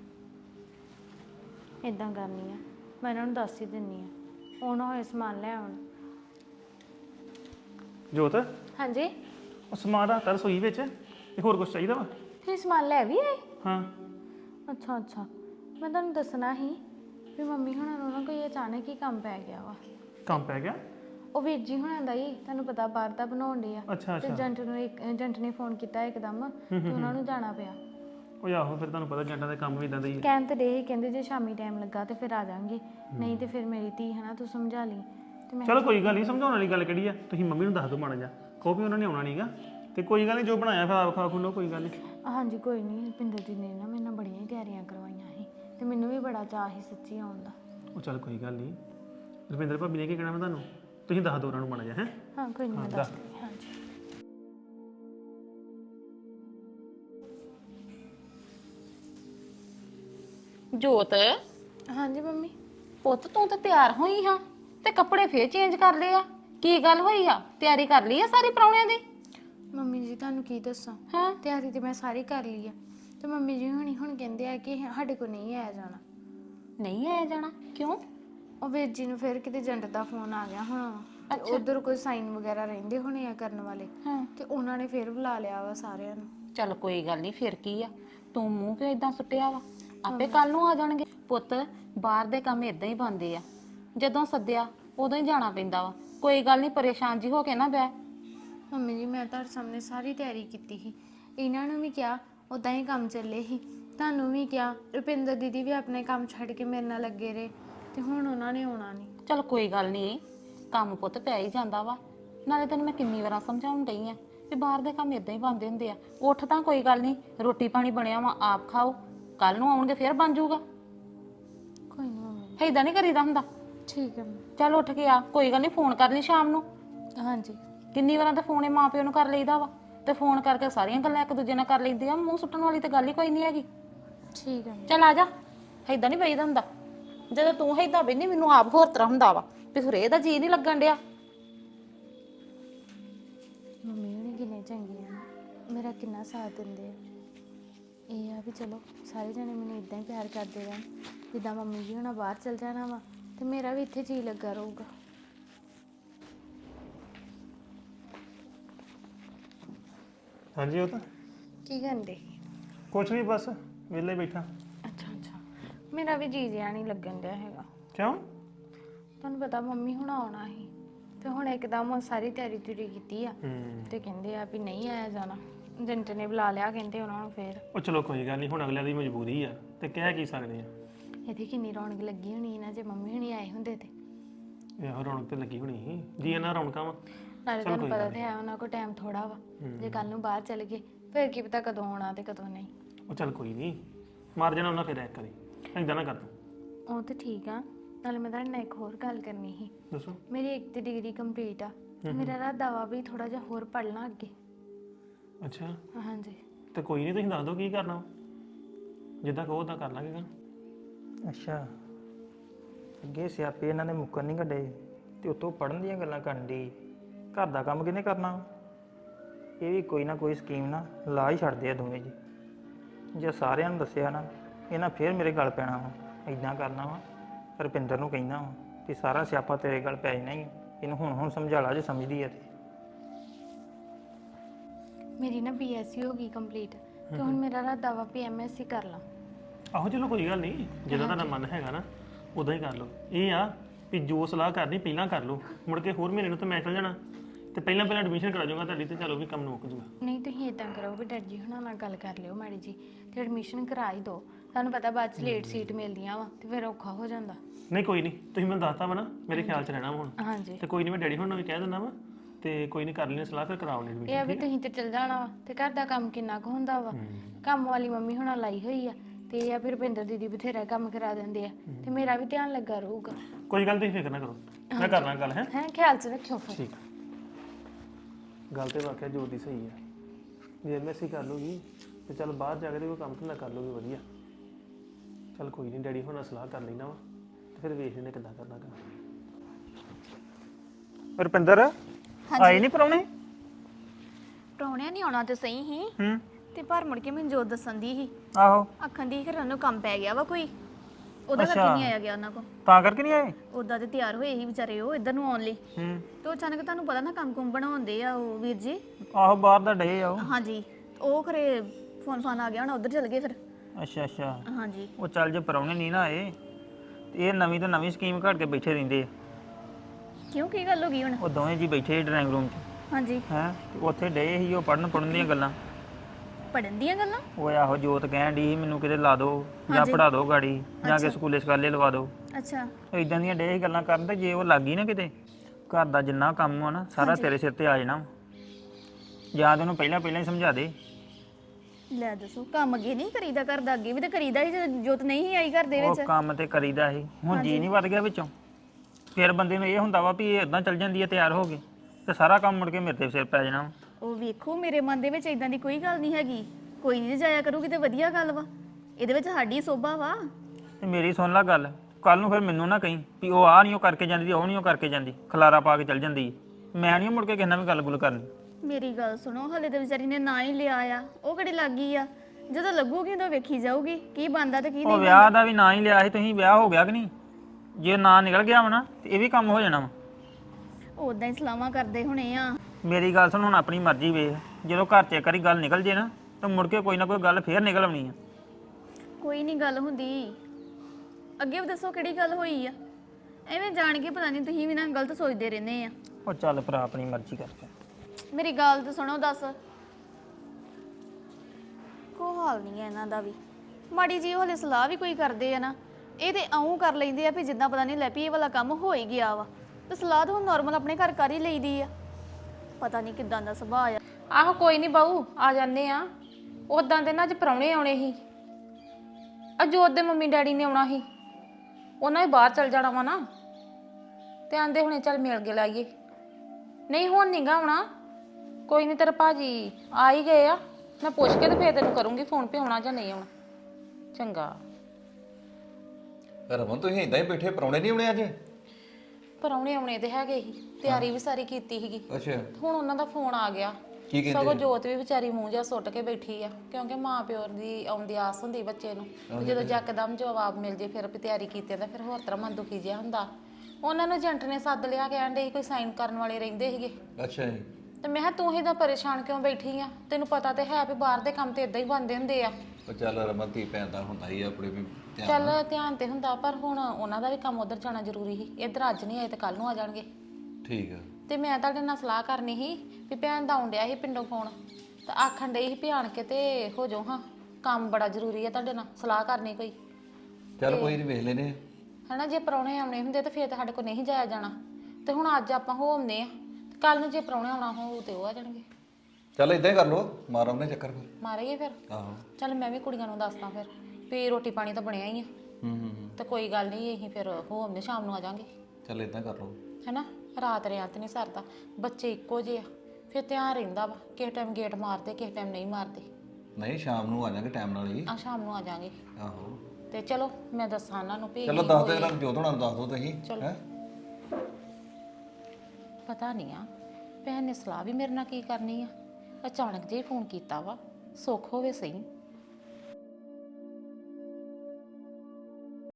ਇਦਾਂ ਕਰਨੀ ਆ ਮੈਂ ਇਹਨਾਂ ਨੂੰ ਦੱਸ ਹੀ ਦਿੰਨੀ ਆ ਉਹ ਨਾ ਹੋਏ ਸਮਾਨ ਲੈ ਆਉਣ। ਜੋਤ ਹਾਂਜੀ ਉਹ ਸਮਾਨ ਰੱਖਤਾ ਰਸੋਈ ਵਿੱਚ ਤੇ ਹੋਰ ਕੁਝ ਚਾਹੀਦਾ ਵਾ ਤੁਸੀਂ ਸਮਾਨ ਲੈ ਵੀ ਆਏ? ਹਾਂ ਅੱਛਾ ਅੱਛਾ ਮੈਂ ਤੁਹਾਨੂੰ ਦੱਸਣਾ ਸੀ ਵੀ ਮੰਮੀ ਹੁਣਾਂ ਨੂੰ ਨਾ ਕੋਈ ਅਚਾਨਕ ਹੀ ਕੰਮ ਪੈ ਗਿਆ ਵਾ। ਕੰਮ ਪੈ ਗਿਆ ਉਹ ਵੀਰ ਜੀ ਹੁਣਾਂ ਦਾ ਹੀ ਤੁਹਾਨੂੰ ਪਤਾ ਬਾਹਰ ਦਾ ਬਣਾਉਣ ਡਏ ਆ ਅੱਛਾ ਤੇ ਏਜੰਟ ਨੇ ਫੋਨ ਕੀਤਾ ਇੱਕਦਮ ਤੇ ਉਹਨਾਂ ਨੂੰ ਜਾਣਾ ਪਿਆ। ਉਹ ਆਹੋ ਫਿਰ ਤੁਹਾਨੂੰ ਪਤਾ ਜੰਟਾਂ ਦੇ ਕੰਮ ਵੀ ਇਦਾਂ ਦੇ ਹੀ ਆ। ਕਹਿਣ ਤੇ ਡੇ ਕਹਿੰਦੇ ਜੇ ਸ਼ਾਮੀ ਟਾਈਮ ਲੱਗਾ ਤੇ ਫਿਰ ਆ ਜਾਾਂਗੇ ਨਹੀਂ ਤੇ ਫਿਰ ਮੇਰੀ ਧੀ ਹੈ ਨਾ ਤੂੰ ਸਮਝਾ ਲਈ ਤੇ ਮੈਂ ਚਲੋ ਕੋਈ ਗੱਲ ਨਹੀਂ ਸਮਝਾਉਣ ਵਾਲੀ ਗੱਲ ਕਿਹੜੀ ਆ ਤੁਸੀਂ ਮੰਮੀ ਨੂੰ ਦੱਸ ਦਿਓ ਮਾੜਾ ਜਿਹਾ ਕਹੋ ਵੀ ਉਹਨਾਂ ਨੇ ਆਉਣਾ ਨਹੀਂਗਾ ਤੇ ਕੋਈ ਗੱਲ ਨਹੀਂ ਜੋ ਬਣਾਇਆ ਫਿਰ ਆਪ ਖਾ ਖੁੱਲੋ ਕੋਈ ਗੱਲ ਨਹੀਂ। ਹਾਂਜੀ ਕੋਈ ਨਹੀਂ ਰੁਪਿੰਦਰ ਜੀ ਨੇ ਨਾ ਮੇਰੇ ਨਾਲ ਬੜੀਆਂ ਹੀ ਤਿਆਰੀਆਂ ਕਰਵਾਈਆਂ ਸੀ ਤੇ ਮੈਨੂੰ ਵੀ ਬੜਾ ਚਾਅ ਸੀ ਸੱਚੀ ਆਉਣ ਦਾ। ਉਹ ਚੱਲ ਕੋਈ ਗੱਲ ਨਹੀਂ ਰੁਪਿੰਦਰ ਭਾਬੀ ਨੇ ਕੀ ਕਹਿਣਾ ਮੈਂ ਤੁਹਾਨੂੰ ਤੁਸੀਂ ਦੱਸ ਦਿਓ ਉਹਨਾਂ ਨੂੰ ਮਾੜਾ ਜਿਹਾ ਹੈ ਹਾਂ ਕੋਈ ਨਹੀਂ ਮੈਂ ਦੱਸ ਦਿੰਦੀ ਹਾਂਜੀ। ਜੋਤ ਹਾਂਜੀ ਮੰਮੀ ਪੁੱਤ ਤੂੰ ਤਾਂ ਤਿਆਰ ਹੋਈ ਹਾਂ ਤੇ ਕੱਪੜੇ ਫੇਰ ਚੇਂਜ ਕਰ ਲਏ ਆ ਕੀ ਗੱਲ ਹੋਈ ਆ ਤਿਆਰੀ ਕਰ ਲਈ ਆ ਸਾਰੀ ਪ੍ਰਾਹੁਣਿਆਂ ਦੀ? ਮੰਮੀ ਜੀ ਤੁਹਾਨੂੰ ਕੀ ਦੱਸਾਂ ਹਾਂ ਤਿਆਰੀ ਤੇ ਮੈਂ ਸਾਰੀ ਕਰ ਲਈ ਆ ਤੇ ਮੰਮੀ ਜੀ ਹੁਣ ਕਹਿੰਦੇ ਆ ਕਿ ਸਾਡੇ ਕੋਲ ਨਹੀਂ ਆਇਆ ਜਾਣਾ। ਨਹੀਂ ਆਇਆ ਜਾਣਾ ਕਿਉਂ? ਉਹ ਵੀਰ ਜੀ ਨੂੰ ਫਿਰ ਕਿਤੇ ਏਜੰਟ ਦਾ ਫੋਨ ਆ ਗਿਆ ਹੁਣ ਤੇ ਉਧਰ ਕੋਈ ਸਾਈਨ ਵਗੈਰਾ ਰਹਿੰਦੇ ਹੋਣੇ ਆ ਕਰਨ ਵਾਲੇ ਤੇ ਉਹਨਾਂ ਨੇ ਫਿਰ ਬੁਲਾ ਲਿਆ ਵਾ ਸਾਰਿਆਂ ਨੂੰ। ਚੱਲ ਕੋਈ ਗੱਲ ਨਹੀਂ ਫਿਰ ਕੀ ਆ ਤੂੰ ਮੂੰਹ ਕਿਉਂ ਇਦਾਂ ਸੁੱਟਿਆ ਵਾ ਆਪੇ ਕੱਲ ਨੂੰ ਆ ਜਾਣਗੇ। ਪੁੱਤ ਬਾਹਰ ਦੇ ਕੰਮ ਇਦਾਂ ਹੀ ਬੰਦੇ ਆ ਜਦੋਂ ਸੱਦਿਆ ਉਦੋਂ ਹੀ ਜਾਣਾ ਪੈਂਦਾ ਵਾ ਕੋਈ ਗੱਲ ਨਹੀਂ ਪਰੇਸ਼ਾਨ ਜੀ ਹੋ ਕੇ ਨਾ ਬਹਿ। ਮੰਮੀ ਜੀ ਮੈਂ ਤੁਹਾਡੇ ਸਾਹਮਣੇ ਸਾਰੀ ਤਿਆਰੀ ਕੀਤੀ ਸੀ ਇਹਨਾਂ ਨੂੰ ਵੀ ਕਿਹਾ ਉਦਾਂ ਹੀ ਕੰਮ ਚੱਲੇ ਸੀ ਤੁਹਾਨੂੰ ਵੀ ਕਿਹਾ ਰੁਪਿੰਦਰ ਦੀਦੀ ਵੀ ਆਪਣੇ ਕੰਮ ਛੱਡ ਕੇ ਮੇਰੇ ਨਾਲ ਲੱਗੇ ਰਹੇ ਤੇ ਹੁਣ ਉਹਨਾਂ ਨੇ ਆਉਣਾ ਨਹੀਂ। ਚੱਲ ਕੋਈ ਗੱਲ ਨਹੀਂ ਕੰਮ ਪੁੱਤ ਪੈ ਹੀ ਜਾਂਦਾ ਵਾ ਨਾਲੇ ਤੈਨੂੰ ਮੈਂ ਕਿੰਨੀ ਵਾਰਾਂ ਸਮਝਾਉਣ ਡਈ ਆ ਵੀ ਬਾਹਰ ਦੇ ਕੰਮ ਇਦਾਂ ਹੀ ਬਣਦੇ ਹੁੰਦੇ ਆ ਉੱਠ ਤਾਂ ਕੋਈ ਗੱਲ ਨਹੀਂ ਰੋਟੀ ਪਾਣੀ ਬਣਿਆ ਵਾ ਆਪ ਖਾਓ ਕੱਲ ਨੂੰ ਆਉਣਗੇ ਫਿਰ ਬਣ ਜਾਊਗਾ। ਕੋਈ ਨਹੀਂ ਮੰਮੀ ਏਦਾਂ ਨਹੀਂ ਕਰੀਦਾ ਹੁੰਦਾ। ਠੀਕ ਹੈ ਚੱਲ ਉੱਠ ਕੇ ਆ ਕੋਈ ਗੱਲ ਨਹੀਂ ਫੋਨ ਕਰ ਲਈ ਸ਼ਾਮ ਨੂੰ। ਹਾਂਜੀ ਕਿੰਨੀ ਵਾਰਾਂ ਤਾਂ ਫੋਨ ਇਹ ਮਾਂ ਪਿਓ ਨੂੰ ਕਰ ਲਈਦਾ ਵਾ ਤੇ ਫੋਨ ਕਰਕੇ ਸਾਰੀਆਂ ਗੱਲਾਂ ਇੱਕ ਦੂਜੇ ਨਾਲ ਕਰ ਲੈਂਦੇ ਆ ਮੂੰਹ ਸੁੱਟਣ ਵਾਲੀ ਤਾਂ ਗੱਲ ਹੀ ਕੋਈ ਨਹੀਂ ਹੈਗੀ। ਠੀਕ ਹੈ ਚੱਲ ਆ ਜਾ ਏਦਾਂ ਨਹੀਂ ਬਈਦਾ ਹੁੰਦਾ ਜਦੋਂ ਤੂੰ ਏਦਾਂ ਬੈਨੀ ਮੈਨੂੰ ਆਪ ਹੋਰ ਤਰ੍ਹਾਂ ਹੁੰਦਾ ਵਾ ਵੀ ਖਰੇ ਦਾ ਜੀ ਨਹੀਂ ਲੱਗਣ ਡਿਆ। ਮੰਮੀ ਹੁਣੀ ਕਿੰਨੇ ਚੰਗੇ ਆ ਮੇਰਾ ਕਿੰਨਾ ਸਾਥ ਦਿੰਦੇ ਆ। ਇਹ ਆ ਵੀ ਚਲੋ ਸਾਰੇ ਜਣੇ ਮੈਨੂੰ ਇਦਾਂ ਹੀ ਪਿਆਰ ਕਰਦੇ ਰਹਿਣ ਜਿੱਦਾਂ ਮੰਮੀ ਜੀ ਹੁਣਾਂ ਬਾਹਰ ਚਲ ਜਾਣਾ ਵਾ ਤੇ ਮੇਰਾ ਵੀ ਇੱਥੇ ਜੀ ਲੱਗਾ ਰਹੂਗਾ। ਹਾਂਜੀ ਉਹ ਤਾਂ ਕੀ ਕਰਦੇ? ਕੁਛ ਨਹੀਂ ਬਸ ਵਿਹਲੇ ਬੈਠਾ। ਅੱਛਾ ਅੱਛਾ ਮੇਰਾ ਵੀ ਜੀ ਜਿਹਾ ਨਹੀਂ ਲੱਗਣ ਡਿਆ ਹੈਗਾ। ਕਿਉਂ? ਤੁਹਾਨੂੰ ਪਤਾ ਮੰਮੀ ਹੁਣ ਆਉਣਾ ਸੀ ਤੇ ਹੁਣ ਇੱਕਦਮ ਸਾਰੀ ਤਿਆਰੀ ਤੁਰੀ ਕੀਤੀ ਆ ਤੇ ਕਹਿੰਦੇ ਆ ਵੀ ਨਹੀਂ ਆਇਆ ਜਾਣਾ ਏਜੰਟ ਨੇ ਬੁਲਾ ਲਿਆ ਕਹਿੰਦੇ ਉਹਨਾਂ ਨੂੰ ਫੇਰ। ਉਹ ਚਲੋ ਕੋਈ ਗੱਲ ਨਹੀਂ ਹੁਣ ਅਗਲਿਆਂ ਦੀ ਮਜਬੂਰੀ ਆ ਤੇ ਕਹਿ ਕੀ ਸਕਦੇ ਆ। ਇਹਦੀ ਕਿੰਨੀ ਰੌਣਕ ਲੱਗੀ ਹੋਣੀ ਨਾ ਜੇ ਮੰਮੀ ਹੁਣੀ ਆਏ ਹੁੰਦੇ ਤੇ। ਇਹੋ ਰੌਣਕ ਤੇ ਲੱਗੀ ਹੋਣੀ ਸੀ ਜੀ ਇਹਨਾਂ ਰੌਣਕਾਂ ਵਾ। ਨਾਲੇ ਤੁਹਾਨੂੰ ਪਤਾ ਤੇ ਹੈ ਉਹਨਾਂ ਕੋਲ ਟਾਈਮ ਥੋੜਾ ਵਾ ਜੇ ਕੱਲ ਨੂੰ ਬਾਹਰ ਚਲ ਗਏ ਫਿਰ ਕੀ ਪਤਾ ਕਦੋਂ ਆਉਣਾ ਤੇ ਕਦੋਂ ਨਹੀਂ। ਉਹ ਚੱਲ ਕੋਈ ਨਹੀਂ ਮਾਰ ਜਾਣਾ ਉਹਨਾਂ ਫਿਰ ਇੱਕ ਵਾਰੀ ਏਦਾਂ ਨਾ ਕਰ ਤੂੰ। ਉਹ ਤੇ ਠੀਕ ਆ ਨਾਲੇ ਮੈਂ ਤੁਹਾਡੇ ਨਾਲ ਇੱਕ ਹੋਰ ਗੱਲ ਕਰਨੀ ਸੀ। ਦੱਸੋ। ਮੇਰੀ ਇੱਕ ਤੇ ਡਿਗਰੀ ਕੰਪਲੀਟ ਆ ਤੇ ਮੇਰਾ ਇਰਾਦਾ ਵਾ ਵੀ ਥੋੜਾ ਜਿਹਾ ਹੋਰ ਪੜ੍ਹਨਾ ਅੱਗੇ। ਅੱਛਾ ਹਾਂਜੀ ਤੇ ਕੋਈ ਨਹੀਂ ਤੁਸੀਂ ਦੱਸ ਦਿਓ ਕੀ ਕਰਨਾ ਜਿੱਦਾਂ ਕਹੋ ਉਦਾਂ ਕਰ ਲਾਂਗੇ। ਅੱਛਾ ਅੱਗੇ ਸਿਆਪੇ ਇਹਨਾਂ ਨੇ ਮੁੱਕਰ ਨਹੀਂ ਕੱਢੇ ਤੇ ਉਤੋਂ ਪੜਨ ਦੀਆਂ ਗੱਲਾਂ ਕਰਨ ਦੀ ਘਰ ਦਾ ਕੰਮ ਕਿਹਨੇ ਕਰਨਾ? ਇਹ ਵੀ ਕੋਈ ਨਾ ਕੋਈ ਸਕੀਮ ਨਾ ਲਾ ਹੀ ਛੱਡਦੇ ਆ ਦੋਵੇਂ ਜੀ। ਜੇ ਸਾਰਿਆਂ ਨੂੰ ਦੱਸਿਆ ਨਾ ਇਹਨਾਂ ਫੇਰ ਮੇਰੇ ਗੱਲ ਪੈਣਾ ਵਾ ਇਦਾਂ ਕਰਨਾ ਵਾ ਰੁਪਿੰਦਰ ਨੂੰ ਕਹਿਣਾ ਵਾ ਕਿ ਸਾਰਾ ਸਿਆਪਾ ਤੇਰੇ ਗੱਲ ਪੈ ਜਾਣਾ ਹੀ ਇਹਨੂੰ ਹੁਣ ਸਮਝਾ ਲਾ ਜੇ ਸਮਝਦੀ ਆ ਤੇ। ਮੇਰੀ ਨਾ ਬੀਐਸਸੀ ਹੋ ਗਈ ਕੰਪਲੀਟ ਤੇ ਹੁਣ ਮੇਰਾ ਇਰਾਦਾ ਵਾ ਵੀ ਐਮਐਸਸੀ ਕਰ ਲਾਂ। ਆਹੋ ਚਲੋ ਕੋਈ ਗੱਲ ਨਹੀਂ ਜਿੱਦਾਂ ਤੁਹਾਡਾ ਮਨ ਹੈਗਾ ਨਾ ਉਦਾਂ ਹੀ ਕਰ ਲਓ। ਇਹ ਆ ਵੀ ਜੋ ਸਲਾਹ ਕਰਨੀ ਪਹਿਲਾਂ ਕਰ ਲਓ ਮੁੜ ਕੇ ਹੋਰ ਮਹੀਨੇ ਨੂੰ ਤਾਂ ਮੈਂ ਚਲ ਜਾਣਾ ਤੇ ਪਹਿਲਾਂ ਐਡਮਿਸ਼ਨ ਕਰਾ ਜਾਊਗਾ ਤੁਹਾਡੀ ਤੇ ਚਲੋ ਵੀ ਕੰਮ ਮੁੱਕ ਜੂਗਾ। ਨਹੀਂ ਤੁਸੀਂ ਇਦਾਂ ਕਰੋ ਵੀ ਡੈਡੀ ਜੀ ਹੁਣਾਂ ਨਾਲ ਗੱਲ ਕਰ ਲਿਓ ਮੈਡੀ ਜੀ ਤੇ ਐਡਮਿਸ਼ਨ ਕਰਾ ਹੀ ਦਿਓ। ਤੁਹਾਨੂੰ ਪਤਾ ਬਾਅਦ ਚ ਲੇਟ ਸੀਟ ਮਿਲਦੀਆਂ ਵਾ ਤੇ ਫਿਰ ਔਖਾ ਹੋ ਜਾਂਦਾ। ਨਹੀਂ ਕੋਈ ਨਹੀਂ ਤੁਸੀਂ ਮੈਨੂੰ ਦੱਸਤਾ ਵਾ ਨਾ ਮੇਰੇ ਖਿਆਲ 'ਚ ਰਹਿਣਾ ਵਾ ਹੁਣ ਹਾਂਜੀ ਤੇ ਕੋਈ ਨਹੀਂ ਮੈਂ ਡੈਡੀ ਹੁਣ ਨੂੰ ਵੀ ਕਹਿ ਦਿੰਦਾ ਵਾ ਤੇ ਕੋਈ ਨਹੀਂ ਕਰ ਲੈਣੇ ਸਲਾਹ ਫਿਰ ਕਰਾਉਣੀ ਇਹ ਆ ਵੀ ਤੁਸੀਂ ਤੇ ਚਲ ਜਾਣਾ ਵਾ ਤੇ ਘਰ ਦਾ ਕੰਮ ਕਿੰਨਾ ਕੁ ਹੁੰਦਾ ਵਾ ਕੰਮ ਵਾਲੀ ਮੰਮੀ ਹੁਣਾਂ ਲਾਈ ਹੋਈ ਆ ਤੇ ਇਹ ਆ ਫਿਰ ਰੁਪਿੰਦਰ ਦੀਦੀ ਬਥੇਰਾ ਕੰਮ ਕਰਾ ਦਿੰਦੇ ਆ ਤੇ ਮੇਰਾ ਵੀ ਧਿਆਨ ਲੱਗਾ ਰਹੂਗਾ। ਕੋਈ ਗੱਲ ਤੁਸੀਂ ਫਿਕਰ ਨਾ ਕਰੋ, ਮੈਂ ਕਰਨਾ ਗੱਲ ਹੈ। ਹੈ ਖਿਆਲ ਚ ਰੱਖਿਓ ਫਿਰ। ਠੀਕ ਗੱਲ ਤੇ ਵਾਕਿਆ ਜੋਤ ਦੀ ਸਹੀ ਹੈ, ਜੇ ਐਮਐਸਸੀ ਕਰ ਲੂਗੀ ਤੇ ਚੱਲ ਬਾਹਰ ਜਾ ਕੇ ਤੇ ਕੋਈ ਕੰਮ ਧੰਦਾ ਕਰ ਲੂਗੀ ਵਧੀਆ। ਚੱਲ ਕੋਈ ਨਹੀਂ, ਡੈਡੀ ਹੁਣ ਨਾਲ ਸਲਾਹ ਕਰ ਲੈਣਾ ਵਾ ਤੇ ਫਿਰ ਵੇਖ ਲੈਣੇ ਕਿੱਦਾਂ ਕਰਨਾ ਕੰਮ। ਰੁਪਿੰਦਰ ਆਏ ਨਹੀਂ ਪਰਾਉਣੇ? ਪ੍ਰਾਹੁਣਿਆਂ ਨਹੀਂ ਆਉਣਾ ਤੇ ਸਹੀ ਹੀ ਹੂੰ ਤੇ ਪਰ ਮੁੜ ਕੇ ਮੈਨੂੰ ਜੋਤ ਦੱਸਣ ਦੀ ਸੀ, ਆਹੋ ਆਖਣ ਦੀ ਕਿ ਉਹਨੂੰ ਕੰਮ ਪੈ ਗਿਆ ਵਾ ਕੋਈ, ਉਹਦਾ ਕਰਕੇ ਨਹੀਂ ਆਇਆ ਗਿਆ ਉਹਨਾਂ ਕੋ। ਤਾਂ ਕਰਕੇ ਨਹੀਂ ਆਏ? ਉਦਾਂ ਤੇ ਤਿਆਰ ਹੋਏ ਸੀ ਵਿਚਾਰੇ ਉਹ ਇੱਧਰ ਨੂੰ ਆਉਣ ਲਈ, ਹੂੰ ਤੇ ਉਹ ਅਚਾਨਕ ਤੁਹਾਨੂੰ ਪਤਾ ਨਾ ਕੰਮ ਕੁੰਮ ਬਣਾਉਂਦੇ ਆ ਉਹ ਵੀਰ ਜੀ। ਆਹੋ ਬਾਹਰ ਦਾ ਡੇ ਆ ਉਹ। ਹਾਂਜੀ ਉਹ ਖਰੇ ਫੋਨ ਆ ਗਿਆ ਹੁਣ ਉਧਰ ਚਲ ਗਏ ਫਿਰ। ਅੱਛਾ ਅੱਛਾ, ਹਾਂਜੀ ਉਹ ਚੱਲ ਜੇ ਪਰਾਉਣੇ ਨਹੀਂ ਨਾ ਆਏ ਤੇ ਇਹ ਨਵੀਂ ਤੋਂ ਨਵੀਂ ਸਕੀਮ ਘੜ ਕੇ ਬੈਠੇ ਰਹਿੰਦੇ ਆ। ਕਿਉਂ ਕੀ ਗੱਲ ਹੋ ਗਈ ਹੁਣ? ਉਹ ਦੋਵੇਂ ਜੀ ਬੈਠੇ ਡਰਾਇੰਗ ਰੂਮ 'ਚ ਹਾਂਜੀ ਹੈ, ਉੱਥੇ ਡੇ ਸੀ ਉਹ ਪੜਨ ਦੀਆਂ ਗੱਲਾਂ। ਪੜਨ ਦੀਆਂ ਗੱਲਾਂ? ਉਹ ਆਹੋ ਜੋਤ ਕਹਿਣ ਦੀ ਸੀ ਮੈਨੂੰ ਕਿਤੇ ਲਾ ਦਿਓ ਜਾਂ ਪੜਾ ਦਿਓ ਗਾੜੀ ਜਾਂ ਕਿ ਸਕੂਲੇ ਸਕਾਲੇ ਲਵਾ ਦਿਓ। ਅੱਛਾ ਇਦਾਂ ਦੀਆਂ ਡੇ ਸੀ ਗੱਲਾਂ ਕਰਨ ਤੇ ਜੇ ਉਹ ਲੱਗ ਗਈ ਨਾ ਕਿਤੇ ਘਰ ਦਾ ਜਿੰਨਾ ਕੰਮ ਆ ਨਾ ਸਾਰਾ ਤੇਰੇ ਸਿਰ ਤੇ ਆ ਜਾਣਾ। ਜਾਂ ਤੇ ਉਹਨੂੰ ਪਹਿਲਾਂ ਹੀ ਸਮਝਾ ਦੇ। ਲੈ ਦੱਸੋ ਕੰਮ ਅੱਗੇ ਨਹੀਂ ਕਰੀਦਾ, ਘਰ ਦਾ ਅੱਗੇ ਵੀ ਤਾਂ ਕਰੀਦਾ ਸੀ ਜਦੋਂ ਜੋਤ ਨਹੀਂ ਸੀ ਆਈ ਘਰ ਦੇ ਉਹ ਵਿੱਚ। ਕੰਮ ਤੇ ਕਰੀਦਾ ਸੀ, ਹੁਣ ਜੀ ਨਹੀਂ ਵੱਧ ਗਿਆ ਵਿੱਚੋਂ। ਫਿਰ ਬੰਦੇ ਨੂੰ ਇਹ ਹੁੰਦਾ ਵਾ ਵੀ ਇਹ ਇਦਾਂ ਚੱਲ ਜਾਂਦੀ ਹੈ ਤਿਆਰ ਹੋ ਕੇ ਤੇ ਸਾਰਾ ਕੰਮ ਮੁੜ ਕੇ ਮੇਰੇ ਤੇ ਸਿਰ ਪੈ ਜਾਣਾ ਵਾ। ਉਹ ਵੇਖੋ ਮੇਰੇ ਮਨ ਦੇ ਵਿੱਚ ਇਦਾਂ ਦੀ ਕੋਈ ਗੱਲ ਨਹੀਂ ਹੈਗੀ, ਕੋਈ ਨਹੀਂ ਜਾਇਆ ਕਰੂਗੀ ਤੇ ਵਧੀਆ ਗੱਲ ਵਾ, ਇਹਦੇ ਵਿੱਚ ਸਾਡੀ ਸੋਭਾ ਵਾ। ਤੇ ਮੇਰੀ ਸੁਣ ਲੈ ਗੱਲ, ਕੱਲ ਨੂੰ ਫਿਰ ਮੈਨੂੰ ਨਾ ਕਹੀਂ ਵੀ ਉਹ ਆਹ ਨਹੀਂ ਉਹ ਕਰਕੇ ਜਾਂਦੀ, ਉਹ ਨਹੀਂ ਉਹ ਕਰਕੇ ਜਾਂਦੀ, ਖਲਾਰਾ ਪਾ ਕੇ ਚੱਲ ਜਾਂਦੀ ਹੈ। ਮੈਂ ਨਹੀਂ ਮੁੜ ਕੇ ਕਿਸੇ ਨਾਲ ਵੀ ਗੱਲ-ਗੁੱਲ ਕਰਨੀ। ਮੇਰੀ ਗੱਲ ਸੁਣੋ, ਹਲੇ ਤਾਂ ਵਿਚਾਰੀ ਨੇ ਨਾ ਹੀ ਲਿਆ ਆ, ਉਹ ਕਿਹੜੀ ਲੱਗ ਗਈ ਆ, ਜਦੋਂ ਲੱਗੂਗੀ ਉਦੋਂ ਵੇਖੀ ਜਾਊਗੀ ਕੀ ਬਣਦਾ ਤੇ ਕੀ ਉਹ ਨਹੀਂ। ਵਿਆਹ ਦਾ ਵੀ ਨਾਂ ਹੀ ਲਿਆ ਸੀ ਤੁਸੀਂ, ਵਿਆਹ ਹੋ ਗਿਆ ਕਿ ਨਹੀਂ? ਜੇ ਨਾਂ ਨਿਕਲ ਗਿਆ ਵਾ ਨਾ ਤੇ ਇਹ ਵੀ ਕੰਮ ਹੋ ਜਾਣਾ ਵਾ। ਉਦਾਂ ਹੀ ਸਲਾਹਾਂ ਕਰਦੇ ਹੋਣੇ ਆ। ਮੇਰੀ ਗੱਲ ਸੁਣ, ਹੁਣ ਆਪਣੀ ਮਰਜ਼ੀ ਵੇਖ, ਜਦੋਂ ਘਰ 'ਚ ਇੱਕ ਵਾਰੀ ਗੱਲ ਨਿਕਲ ਜੇ ਨਾ ਤਾਂ ਮੁੜ ਕੇ ਕੋਈ ਨਾ ਕੋਈ ਗੱਲ ਫੇਰ ਨਿਕਲ ਆਉਣੀ ਆ। ਕੋਈ ਨਹੀਂ ਗੱਲ ਹੁੰਦੀ, ਅੱਗੇ ਵੀ ਦੱਸੋ ਕਿਹੜੀ ਗੱਲ ਹੋਈ ਆ? ਐਵੇਂ ਜਾਣ ਕੇ ਪਤਾ ਨਹੀਂ ਤੁਸੀਂ ਵੀ ਨਾ ਗਲਤ ਸੋਚਦੇ ਰਹਿੰਦੇ ਆ। ਉਹ ਚੱਲ ਭਰਾ ਆਪਣੀ ਮਰਜ਼ੀ ਕਰਕੇ। ਮੇਰੀ ਗੱਲ ਤਾਂ ਸੁਣੋ, ਦੱਸ ਕੋ ਹਾਲ ਨਹੀਂ ਹੈ ਇਹਨਾਂ ਦਾ ਵੀ, ਮਾੜੀ ਜੀ ਹਲੇ ਸਲਾਹ ਵੀ ਕੋਈ ਕਰਦੇ ਆ ਨਾ ਇਹ ਤੇ ਆਉਂ ਕਰ ਲੈਂਦੇ ਆ ਵੀ ਜਿੱਦਾਂ ਪਤਾ ਨਹੀਂ ਲੈ ਪਈ ਇਹ ਵਾਲਾ ਕੰਮ ਹੋ ਹੀ ਗਿਆ ਵਾ, ਤੇ ਸਲਾਹ ਤਾਂ ਹੁਣ ਨਾਰਮਲ ਆਪਣੇ ਘਰ ਕਰ ਹੀ ਲਈਦੀ ਆ। ਪਤਾ ਨਹੀਂ ਕਿੱਦਾਂ ਦਾ ਸੁਭਾਅ ਆ। ਆਹੋ ਕੋਈ ਨਹੀਂ ਬਾਊ, ਆ ਜਾਂਦੇ ਆ। ਉਦਾਂ ਦੇ ਨਾ ਅੱਜ ਪ੍ਰਾਹੁਣੇ ਆਉਣੇ ਸੀ, ਅਜੋਤ ਦੇ ਮੰਮੀ ਡੈਡੀ ਨੇ ਆਉਣਾ ਸੀ, ਉਹਨਾਂ ਵੀ ਬਾਹਰ ਚਲ ਜਾਣਾ ਵਾ ਨਾ, ਤੇ ਆਂਦੇ ਹੁਣੇ ਚੱਲ ਮਿਲ ਕੇ ਲਾਈਏ। ਨਹੀਂ ਹੁਣ ਨੀ ਗਾ ਆਉਣਾ, ਕੋਈ ਨਹੀਂ, ਤੇਰੇ ਭਾਜੀ ਆ ਹੀ ਗਏ ਆ, ਮੈਂ ਪੁੱਛ ਕੇ ਤੇ ਫੇਰ ਤੈਨੂੰ ਕਰੂੰਗੀ ਫੋਨ ਵੀ ਆਉਣਾ ਜਾਂ ਨਹੀਂ ਆਉਣਾ। ਚੰਗਾ। ਰਮਨ ਤੁਸੀਂ ਇਦਾਂ ਹੀ ਬੈਠੇ, ਪਰੌਣੇ ਨਹੀਂ ਆਉਣੇ ਅੱਜ? ਪ੍ਰਾਹੁਣੇ ਆਉਣੇ ਤੇ ਹੈਗੇ ਸੀ, ਤਿਆਰੀ ਵੀ ਸਾਰੀ ਕੀਤੀ ਸੀਗੀ। ਅੱਛਾ, ਹੁਣ ਉਹਨਾਂ ਦਾ ਫੋਨ ਆ ਗਿਆ। ਕੀ ਕਹਿੰਦੇ? ਸਗੋਂ ਜੋਤ ਵੀ ਵਿਚਾਰੀ ਮੂੰਹ ਜਿਹਾ ਸੁੱਟ ਕੇ ਬੈਠੀ ਆ, ਕਿਉਂਕਿ ਮਾਂ ਪਿਓ ਦੀ ਆਉਣ ਦੀ ਆਸ ਹੁੰਦੀ ਬੱਚੇ ਨੂੰ, ਤੇ ਜਦੋਂ ਯਕਦਮ ਜਵਾਬ ਮਿਲ ਜੇ ਫਿਰ ਵੀ ਤਿਆਰੀ ਕੀਤੀ ਤਾਂ ਫਿਰ ਹੋਰ ਤਰ੍ਹਾਂ ਮਨ ਦੁਖੀ ਜਿਹਾ ਹੁੰਦਾ। ਉਹਨਾਂ ਨੂੰ ਏਜੰਟ ਨੇ ਸੱਦ ਲਿਆ, ਕਹਿਣ ਦੇ ਕੋਈ ਸਾਈਨ ਕਰਨ ਵਾਲੇ ਰਹਿੰਦੇ ਸੀਗੇ। ਅੱਛਾ ਜੀ। ਤੇ ਮੈਂ ਕਿਹਾ ਤੂੰ ਹੀ ਤਾਂ ਪਰੇਸ਼ਾਨ ਕਿਉਂ ਬੈਠੀ ਆ, ਤੈਨੂੰ ਪਤਾ ਤੇ ਹੈ ਵੀ ਬਾਹਰ ਦੇ ਕੰਮ ਤੇ ਇਦਾਂ ਹੀ ਬਣਦੇ ਹੁੰਦੇ ਆ। ਉਹ ਚੱਲ ਰਮਨ ਧੀ ਭੈਣ ਦਾ ਹੁੰਦਾ ਹੀ ਆ ਆਪਣੇ ਵੀ ਧਿਆਨ। ਚੱਲ ਧਿਆਨ ਤੇ ਹੁੰਦਾ, ਪਰ ਹੁਣ ਉਹਨਾਂ ਦਾ ਵੀ ਕੰਮ ਉਧਰ ਜਾਣਾ ਜ਼ਰੂਰੀ ਸੀ। ਇੱਧਰ ਅੱਜ ਨਹੀਂ ਆਏ ਤੇ ਕੱਲ ਨੂੰ ਆ ਜਾਣਗੇ। ਠੀਕ ਆ। ਤੇ ਮੈਂ ਤੁਹਾਡੇ ਨਾਲ ਸਲਾਹ ਕਰਨੀ ਸੀ ਵੀ ਭੈਣ ਦਾ ਆਉਣ ਡਿਆ ਸੀ ਪਿੰਡੋਂ ਫੋਨ, ਤੇ ਆਖਣ ਡਈ ਸੀ ਵੀ ਆਣ ਕੇ ਤੇ ਹੋ ਜਾਓ, ਹਾਂ ਕੰਮ ਬੜਾ ਜ਼ਰੂਰੀ ਆ ਤੁਹਾਡੇ ਨਾਲ ਸਲਾਹ ਕਰਨੀ ਕੋਈ। ਚੱਲ ਕੋਈ ਨਹੀਂ, ਵੇਖ ਲੈਨੇ ਆ। ਹਨਾ ਜੇ ਪ੍ਰਾਹੁਣੇ ਆਉਣੇ ਹੁੰਦੇ ਤਾਂ ਫੇਰ ਤਾਂ ਸਾਡੇ ਕੋਲ ਨਹੀਂ ਜਾਇਆ ਜਾਣਾ, ਤੇ ਹੁਣ ਅੱਜ ਆਪਾਂ ਹੋ ਆਉਂਦੇ ਆ, ਕੱਲ ਨੂੰ ਜੇ ਪ੍ਰਾਹੁਣੇ ਆਉਣਾ ਹੋਊ ਤੇ ਉਹ ਆ ਜਾਣਗੇ। ਚੱਲ ਇਦਾਂ ਹੀ ਕਰ ਲਓ, ਮਾਰ ਆਉਂਦੇ ਚੱਕਰ ਫਿਰ। ਮਾਰਾਂਗੇ ਫਿਰ। ਆਹੋ। ਚੱਲ ਮੈਂ ਵੀ ਕੁੜੀਆਂ ਨੂੰ ਦੱਸਦਾ ਫਿਰ ਵੀ ਰੋਟੀ ਪਾਣੀ ਤਾਂ ਬਣਿਆ ਹੀ ਆ, ਤੇ ਕੋਈ ਗੱਲ ਨਹੀਂ, ਅਸੀਂ ਫਿਰ ਹੋ ਆਉਂਦੇ, ਸ਼ਾਮ ਨੂੰ ਆ ਜਾਾਂਗੇ। ਚੱਲ ਇਦਾਂ ਕਰ ਲਓ। ਹੈਨਾ ਰਾਤ ਰਿਆਂ ਤੇ ਨਹੀਂ ਸਰਦਾ, ਬੱਚੇ ਇੱਕੋ ਜਿਹੇ ਆ, ਫਿਰ ਧਿਆਨ ਰਹਿੰਦਾ ਵਾ, ਕਿਸੇ ਟਾਈਮ ਗੇਟ ਮਾਰਦੇ ਕਿਸੇ ਟਾਈਮ ਨਹੀਂ ਮਾਰਦੇ। ਨਹੀਂ ਸ਼ਾਮ ਨੂੰ ਆ ਜਾਾਂਗੇ ਟਾਈਮ ਨਾਲ ਹੀ। ਆ ਸ਼ਾਮ ਨੂੰ ਆ ਜਾਾਂਗੇ। ਆਹੋ ਤੇ ਚਲੋ ਮੈਂ ਦੱਸਾਂ ਉਹਨਾਂ ਨੂੰ ਵੀ ਚਲੋ ਦੱਸ ਦੇ, ਜੋਤ ਹੋਣਾ ਨੂੰ ਦੱਸ ਦਿਓ ਤੁਸੀਂ। ਚਲੋ। ਪਤਾ ਨਹੀਂ ਆ ਭੈਣ ਨੇ ਸਲਾਹ ਵੀ ਮੇਰੇ ਨਾਲ ਕੀ ਕਰਨੀ ਆ, ਅਚਾਨਕ ਜੇ ਫੋਨ ਕੀਤਾ ਵਾ, ਸੁੱਖ ਹੋਵੇ ਸਹੀ।